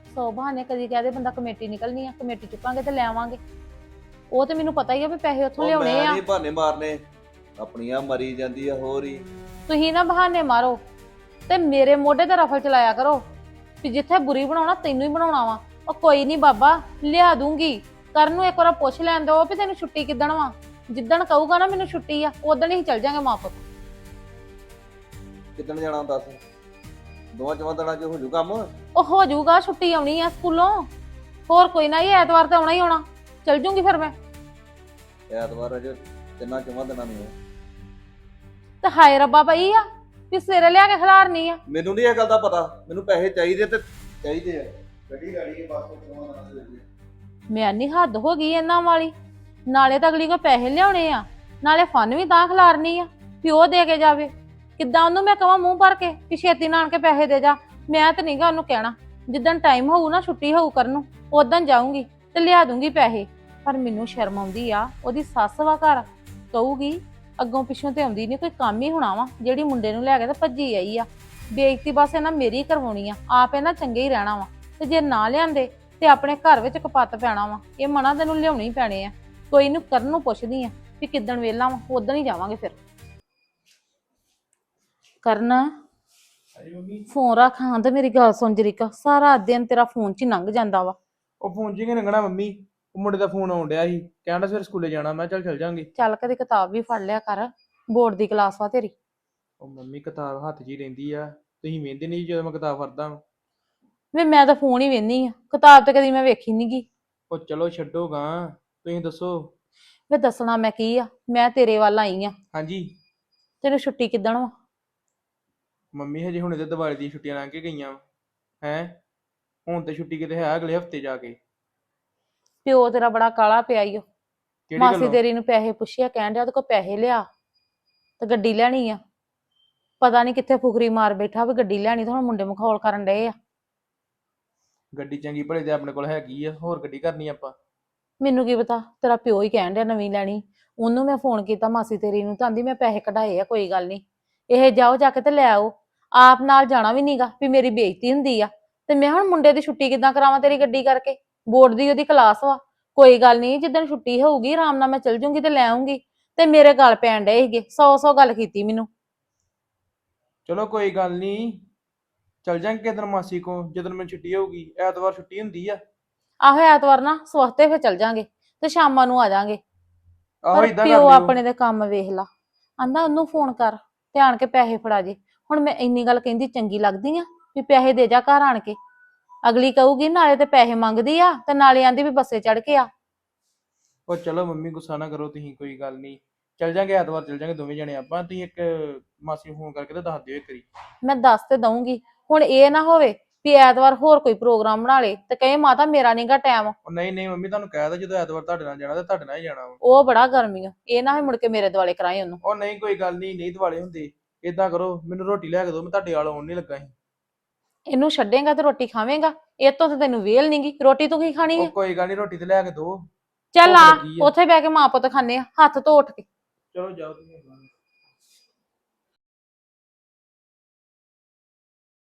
S7: ਸੌ ਬਹਾਨੇ ਕਦੀ ਕਹਦੇ ਬੰਦਾ ਕਮੇਟੀ ਨਿਕਲਣੀ ਆ, ਕਮੇਟੀ ਚੁੱਕਾਂਗੇ ਤੇ ਲੈ ਆਵਾਂਗੇ। ਉਹ ਤੇ ਮੈਨੂੰ ਪਤਾ ਹੀ ਆ ਵੀ ਪੈਸੇ ਉੱਥੋਂ
S6: ਉਹ
S7: ਲਿਆਉਣੇ
S6: ਮੈਂ
S7: ਆ।
S6: ਨਹੀਂ ਬਹਾਨੇ ਮਾਰਨੇ, ਆਪਣੀਆਂ ਮਰੀ ਜਾਂਦੀ ਆ ਹੋਰ ਹੀ।
S7: ਤੁਸੀਂ ਨਾ ਬਹਾਨੇ ਮਾਰੋ ਤੇ ਮੇਰੇ ਮੋਢੇ ਤੇ ਰਫਲ ਚਲਾਇਆ ਕਰੋ ਵੀ ਜਿੱਥੇ ਬੁਰੀ ਬਣਾਉਣਾ ਤੈਨੂੰ ਹੀ ਬਣਾਉਣਾ ਵਾ। ਉਹ ਕੋਈ ਨਹੀਂ ਬਾਬਾ, ਲਿਆ ਦੂੰਗੀ। ਕਰਨ ਨੂੰ ਇੱਕ ਵਾਰ ਪੁੱਛ ਲੈਣ ਦੋ ਵੀ ਤੈਨੂੰ ਛੁੱਟੀ ਕਿੱਦਣ ਵਾ। ਜਿੱਦਣ ਕਹੂਗਾ ਨਾ ਮੈਨੂੰ ਛੁੱਟੀ ਆ, ਉਦਣ ਹੀ ਚੱਲ ਜਾਾਂਗੇ ਮਾਂ ਪੁੱਤ।
S6: ਕਿੱਦਣ ਜਾਣਾ ਦੱਸ? ਦੋਵਾਂ ਚਵਾਂ ਦਿਨਾਂ ਚ ਹੋ ਜੂ ਕੰਮ?
S7: ਉਹ ਹੋ ਜਾਊਗਾ, ਛੁੱਟੀ ਆਉਣੀ ਆ ਸਕੂਲੋਂ। ਹੋਰ ਕੋਈ ਨਾ, ਇਹ ਐਤਵਾਰ ਤੇ ਆਉਣਾ ਹੀ ਆਉਣਾ। ਚੱਲ ਜੂੰਗੀ ਫਿਰ ਮੈਂ।
S6: ਐਤਵਾਰ ਅਜੇ ਤਿੰਨਾਂ ਚਵਾਂ ਦਿਨਾਂ ਨੂੰ ਆ।
S7: ਤੇ ਹਾਏ ਰੱਬਾ ਪਈ ਆ ਵੀ ਸਵੇਰੇ ਲਿਆ ਕੇ ਖਿਲਾਰਨੀ ਆ।
S6: ਮੈਨੂੰ ਨਹੀਂ ਇਹ ਗੱਲ ਦਾ ਪਤਾ, ਮੈਨੂੰ ਪੈਸੇ ਚਾਹੀਦੇ ਤੇ ਚਾਹੀਦੇ ਆ। ਗੱਡੀ ਗਾੜੀ ਬਸ ਚਵਾਂ ਦਿਨਾਂ ਦੇ ਵਿੱਚ।
S7: ਮੈਂ ਨਹੀਂ ਹੱਦ ਹੋ ਗਈ ਇਹਨਾਂ ਵਾਲੀ। ਨਾਲੇ ਤਾਂ ਅਗਲੀ ਕੋ ਪੈਸੇ ਲਿਆਉਣੇ ਆ, ਨਾਲੇ ਫਨ ਵੀ ਤਾਂ ਖਿਲਾਰਨੀ ਆ ਵੀ ਉਹ ਦੇ ਕੇ ਜਾਵੇ। ਕਿੱਦਾਂ ਉਹਨੂੰ ਮੈਂ ਕਹਾਂ ਮੂੰਹ ਭਰ ਕੇ ਵੀ ਛੇਤੀ ਨਾਲ ਆਣ ਕੇ ਪੈਸੇ ਦੇ ਜਾ? ਮੈਂ ਤਾਂ ਨਹੀਂਗਾ ਉਹਨੂੰ ਕਹਿਣਾ। ਜਿੱਦਣ ਟਾਈਮ ਹੋਊ ਨਾ ਛੁੱਟੀ ਹੋਊ ਕਰਨ ਨੂੰ, ਉਦੋਂ ਜਾਊਂਗੀ ਤੇ ਲਿਆ ਦੂੰਗੀ ਪੈਸੇ। ਪਰ ਮੈਨੂੰ ਸ਼ਰਮ ਆਉਂਦੀ ਆ, ਉਹਦੀ ਸੱਸ ਵਾ ਘਰ, ਕਹੂਗੀ ਅੱਗੋਂ ਪਿੱਛੋਂ ਤੇ ਆਉਂਦੀ ਨਹੀਂ, ਕੋਈ ਕੰਮ ਹੀ ਹੋਣਾ ਵਾ ਜਿਹੜੀ ਮੁੰਡੇ ਨੂੰ ਲੈ ਕੇ ਤੇ ਭੱਜੀ ਆਈ ਆ। ਬੇਇੱਜ਼ਤੀ ਬਸ ਇਹਨਾਂ ਮੇਰੀ ਕਰਵਾਉਣੀ ਆ, ਆਪ ਇਹਨਾਂ ਚੰਗੇ ਹੀ ਰਹਿਣਾ ਵਾ। ਤੇ ਜੇ ਨਾ ਲਿਆਂਦੇ ਤੇ ਆਪਣੇ ਘਰ ਵਿੱਚ ਕਪੱਤ ਪੈਣਾ ਵਾ। ਇਹ ਮਨਾ ਤੈਨੂੰ ਲਿਆਉਣੇ ਹੀ ਪੈਣੇ ਆ। ਕੋਈ ਨੂੰ ਕਰਨ ਨੂੰ ਪੁੱਛਦੀ ਆ ਵੀ ਕਿੱਦਣ ਵੇਲਾ ਵਾ, ਉਦਣ ਹੀ ਜਾਵਾਂਗੇ ਫਿਰ। ਕਰਨ ਫੋਨ ਰੱਖ ਹਾਂ ਤੇ ਮੇਰੀ ਗੱਲ ਸੁਣ ਜਰੀਕਾ। ਸਾਰਾ ਦਿਨ ਤੇਰਾ ਫੋਨ 'ਚ ਹੀ ਲੰਘ ਜਾਂਦਾ ਵਾ।
S5: ਉਹ ਫੋਨ 'ਚ ਹੀ ਲੰਘਣਾ ਮੰਮੀ, ਉਹ ਮੁੰਡੇ ਦਾ ਫੋਨ ਆਉਣ ਡਿਆ ਸੀ, ਕਹਿੰਦਾ ਫਿਰ ਸਕੂਲੇ ਜਾਣਾ। ਮੈਂ ਚੱਲ ਚੱਲ ਜਾਾਂਗੇ।
S7: ਚੱਲ ਕਦੇ ਕਿਤਾਬ ਵੀ ਫੜ ਲਿਆ ਕਰ, ਬੋਰਡ ਦੀ ਕਲਾਸ ਵਾ ਤੇਰੀ।
S5: ਉਹ ਮੰਮੀ ਕਿਤਾਬ ਹੱਥ 'ਚ ਹੀ ਰਹਿੰਦੀ ਆ, ਤੁਸੀਂ ਵੇਖਦੇ ਨਹੀਂ ਜਦੋਂ ਮੈਂ ਕਿਤਾਬ ਫੜਦਾ ਵਾਂ।
S7: ਵੇ ਮੈਂ ਤਾਂ ਫੋਨ ਹੀ ਵੇਖਨੀ ਆ, ਕਿਤਾਬ ਤੇ ਕਦੀ ਮੈਂ ਵੇਖੀ ਨੀ ਗੀ।
S5: ਉਹ ਚਲੋ ਛੱਡੋ ਗਾਂ, ਤੁਸੀਂ ਦੱਸੋ।
S7: ਵੇ ਦੱਸਣਾ ਮੈਂ ਕੀ ਆ, ਮੈਂ ਤੇਰੇ ਵੱਲ ਆਈ ਆ।
S5: ਹਾਂਜੀ
S7: ਤੈਨੂੰ ਛੁੱਟੀ ਕਿੱਦਣ ਵਾ?
S5: ਮੰਮੀ ਹਜੇ ਹੁਣੇ ਤੇ ਦੀਵਾਲੀ ਦੀਆਂ ਛੁੱਟੀਆਂ ਲੰਘ ਕੇ ਗਈਆਂ ਹੈ। ਹੁਣ ਤੇ ਛੁੱਟੀ ਕਿਤੇ ਹੈ ਅਗਲੇ ਹਫਤੇ ਜਾ ਕੇ।
S7: ਪਿਓ ਤੇਰਾ ਬੜਾ ਕਾਲਾ ਪਿਆ ਈ ਓ।
S5: ਕਿਹੜੀ
S7: ਮਾਸੀ
S5: ਗੱਲੋਂ?
S7: ਤੇਰੀ ਨੂੰ ਪੈਸੇ ਪੁੱਛਿਆ, ਕਹਿਣ ਡਿਆ ਉਹਦੇ ਕੋਲ ਪੈਸੇ ਲਿਆ ਤੇ ਗੱਡੀ ਲੈਣੀ ਆ। ਪਤਾ ਨਹੀਂ ਕਿੱਥੇ ਫੁਕਰੀ ਮਾਰ ਬੈਠਾ ਵੀ ਗੱਡੀ ਲੈਣੀ, ਤੇ ਹੁਣ ਮੁੰਡੇ ਮਖੌਲ ਕਰਨ ਡਏ ਆ।
S5: ਗੱਡੀ ਚੰਗੀ ਭਲੇ ਤੇ ਆਪਣੇ ਕੋਲ ਹੈਗੀ ਆ, ਹੋਰ ਗੱਡੀ ਕਰਨੀ ਆਪਾਂ।
S7: ਮੈਨੂੰ ਕੀ ਪਤਾ, ਤੇਰਾ ਪਿਓ ਹੀ ਕਹਿਣ ਡਿਆ ਨਵੀਂ ਲੈਣੀ। ਉਹਨੂੰ ਮੈਂ ਫੋਨ ਕੀਤਾ ਮਾਸੀ ਤੇਰੀ ਨੂੰ, ਤਾਂ ਆਂਦੀ ਮੈਂ ਪੈਸੇ ਕਢਾਏ ਆ, ਕੋਈ ਗੱਲ ਨਹੀਂ, ਇਹ ਜਾਓ ਜਾ ਕੇ ਤੇ ਲੈ ਆਓ। ਆਪ ਨਾਲ ਜਾਣਾ ਵੀ ਨਹੀਂਗਾ ਵੀ ਮੇਰੀ ਬੇਇੱਜ਼ਤੀ ਹੁੰਦੀ ਆ। ਤੇ ਮੈਂ ਹੁਣ ਮੁੰਡੇ ਦੀ ਛੁੱਟੀ ਕਿੱਦਾਂ ਕਰਾਵਾਂ ਤੇਰੀ ਗੱਡੀ ਕਰਕੇ? ਬੋਰਡ ਦੀ ਉਹਦੀ ਕਲਾਸ ਵਾ। ਕੋਈ ਗੱਲ ਨਹੀਂ, ਜਿੱਦਣ ਛੁੱਟੀ ਹੋਊਗੀ ਆਰਾਮ ਨਾਲ ਮੈਂ ਚਲ ਜੂੰਗੀ ਤੇ ਲੈ ਆਉਂਗੀ। ਤੇ ਮੇਰੇ ਗੱਲ ਪੈਣ ਡਏ ਸੀਗੇ, ਸੌ ਸੌ ਗੱਲ ਕੀਤੀ ਮੈਨੂੰ।
S5: ਚਲੋ ਕੋਈ ਗੱਲ ਨਹੀਂ, ਚੱਲ ਜਾਂਗੇ ਕਿਸ ਦਿਨ ਮਾਸੀ ਕੋ, ਜਦੋਂ ਮੈਨੂੰ ਛੁੱਟੀ ਹੋਊਗੀ। ਐਤਵਾਰ ਛੁੱਟੀ ਹੁੰਦੀ ਆ।
S7: ਆਹੋ ਐਤਵਾਰ ਨਾ ਸਵਖਤੇ ਫਿਰ ਚਲ ਜਾਾਂਗੇ ਤੇ ਸ਼ਾਮਾਂ ਨੂੰ ਆ ਜਾਾਂਗੇ।
S5: ਆਹੋ
S7: ਪਰ
S5: ਇਦਾਂ ਕਰ
S7: ਪਿਓ
S5: ਲਿਓ।
S7: ਆਪਣੇ ਦੇ ਕੰਮ ਵੇਖ ਲਾ, ਆਂਦਾ ਉਹਨੂੰ ਫੋਨ ਕਰ ਤੇ ਆਣ ਕੇ ਪੈਸੇ ਫੜਾ ਜੇ। ਹੁਣ ਮੈਂ ਇੰਨੀ ਗੱਲ ਕਹਿੰਦੀ ਚੰਗੀ ਲੱਗਦੀ ਆ ਵੀ ਪੈਸੇ ਦੇ ਜਾ ਘਰ ਆਣ ਕੇ? ਅਗਲੀ ਕਹੂਗੀ ਨਾਲੇ ਤੇ ਪੈਸੇ ਮੰਗਦੀ ਆ ਤੇ ਨਾਲੇ ਆਂਦੀ ਵੀ ਬੱਸੇ ਚੜ ਕੇ ਆ।
S5: ਉਹ ਚਲੋ ਮੰਮੀ ਗੁੱਸਾ ਨਾ ਕਰੋ ਤੁਸੀਂ, ਕੋਈ ਗੱਲ ਨਹੀਂ। ਚੱਲ ਜਾਂਗੇ ਐਤਵਾਰ, ਚੱਲ ਜਾਂਗੇ ਦੋਵੇਂ ਜਣੇ ਆਪਾਂ। ਤੁਸੀਂ ਇੱਕ ਮਾਸੀ ਨੂੰ ਫੋਨ ਕਰਕੇ ਤੇ ਦੱਸ ਦਿਓ ਇੱਕ ਵਾਰੀ।
S7: ਮੈਂ ਦੱਸ ਤੇ ਦਊਂਗੀ, ਹੁਣ ਇਹ ਨਾ ਹੋਵੇ ਵੀ ਐਤਵਾਰ ਹੋਰ ਕੋਈ ਪ੍ਰੋਗਰਾਮ ਬਣਾ ਲੇ ਤੇ ਕਹੇ ਮਾਤਾ ਮੇਰਾ ਨਹੀਂਗਾ ਟਾਈਮ।
S5: ਉਹ ਨਹੀਂ ਨਹੀਂ ਮੰਮੀ, ਤੁਹਾਨੂੰ ਕਹਿ ਤਾ ਜਦੋਂ ਐਤਵਾਰ ਤੁਹਾਡੇ ਨਾਲ ਜਾਣਾ ਤੇ ਤੁਹਾਡੇ ਨਾਲ ਹੀ ਜਾਣਾ ਵਾ।
S7: ਉਹ ਬੜਾ ਗਰਮੀ ਆ, ਇਹ ਨਾ ਹੋਵੇ ਮੁੜ ਕੇ ਮੇਰੇ ਦੁਆਲੇ ਕਰਾਏ ਉਹਨੂੰ।
S5: ਉਹ ਨਹੀਂ ਕੋਈ ਗੱਲ ਨਹੀਂ, ਨਹੀਂ ਦਿਵਾਲੇ ਹੁੰਦੇ। ਏਦਾਂ ਕਰੋ, ਮੈਨੂੰ ਰੋਟੀ ਲਿਆ ਕੇ ਦਿਓ, ਮੈਂ ਤੁਹਾਡੇ ਵਾਲ ਆਉਣ ਨਹੀਂ ਲੱਗਾ ਸੀ।
S7: ਇਹਨੂੰ ਛੱਡੇਗਾ ਤੇ ਰੋਟੀ ਖਾਵੇਂਗਾ? ਇਹ ਤੋਂ ਤੇ ਤੈਨੂੰ ਵੇਲ ਨਹੀਂਗੀ, ਰੋਟੀ ਤੂੰ ਕੀ ਖਾਣੀ
S5: ਉਹ
S7: ਆ?
S5: ਕੋਈ ਗੱਲ ਨਹੀਂ, ਰੋਟੀ ਤੇ ਲਿਆ ਕੇ ਦਿਓ।
S7: ਚੱਲ
S5: ਭੁੱਖ
S7: ਆ,
S5: ਲੱਗੀ ਆ।
S7: ਉੱਥੇ ਬਹਿ ਕੇ ਮਾਂ ਪੁੱਤ ਖਾਣੇ ਆ, ਹੱਥ ਧੋ ਉੱਠ ਕੇ।
S5: ਚਲੋ ਜਾਓ ਤੁਸੀਂ।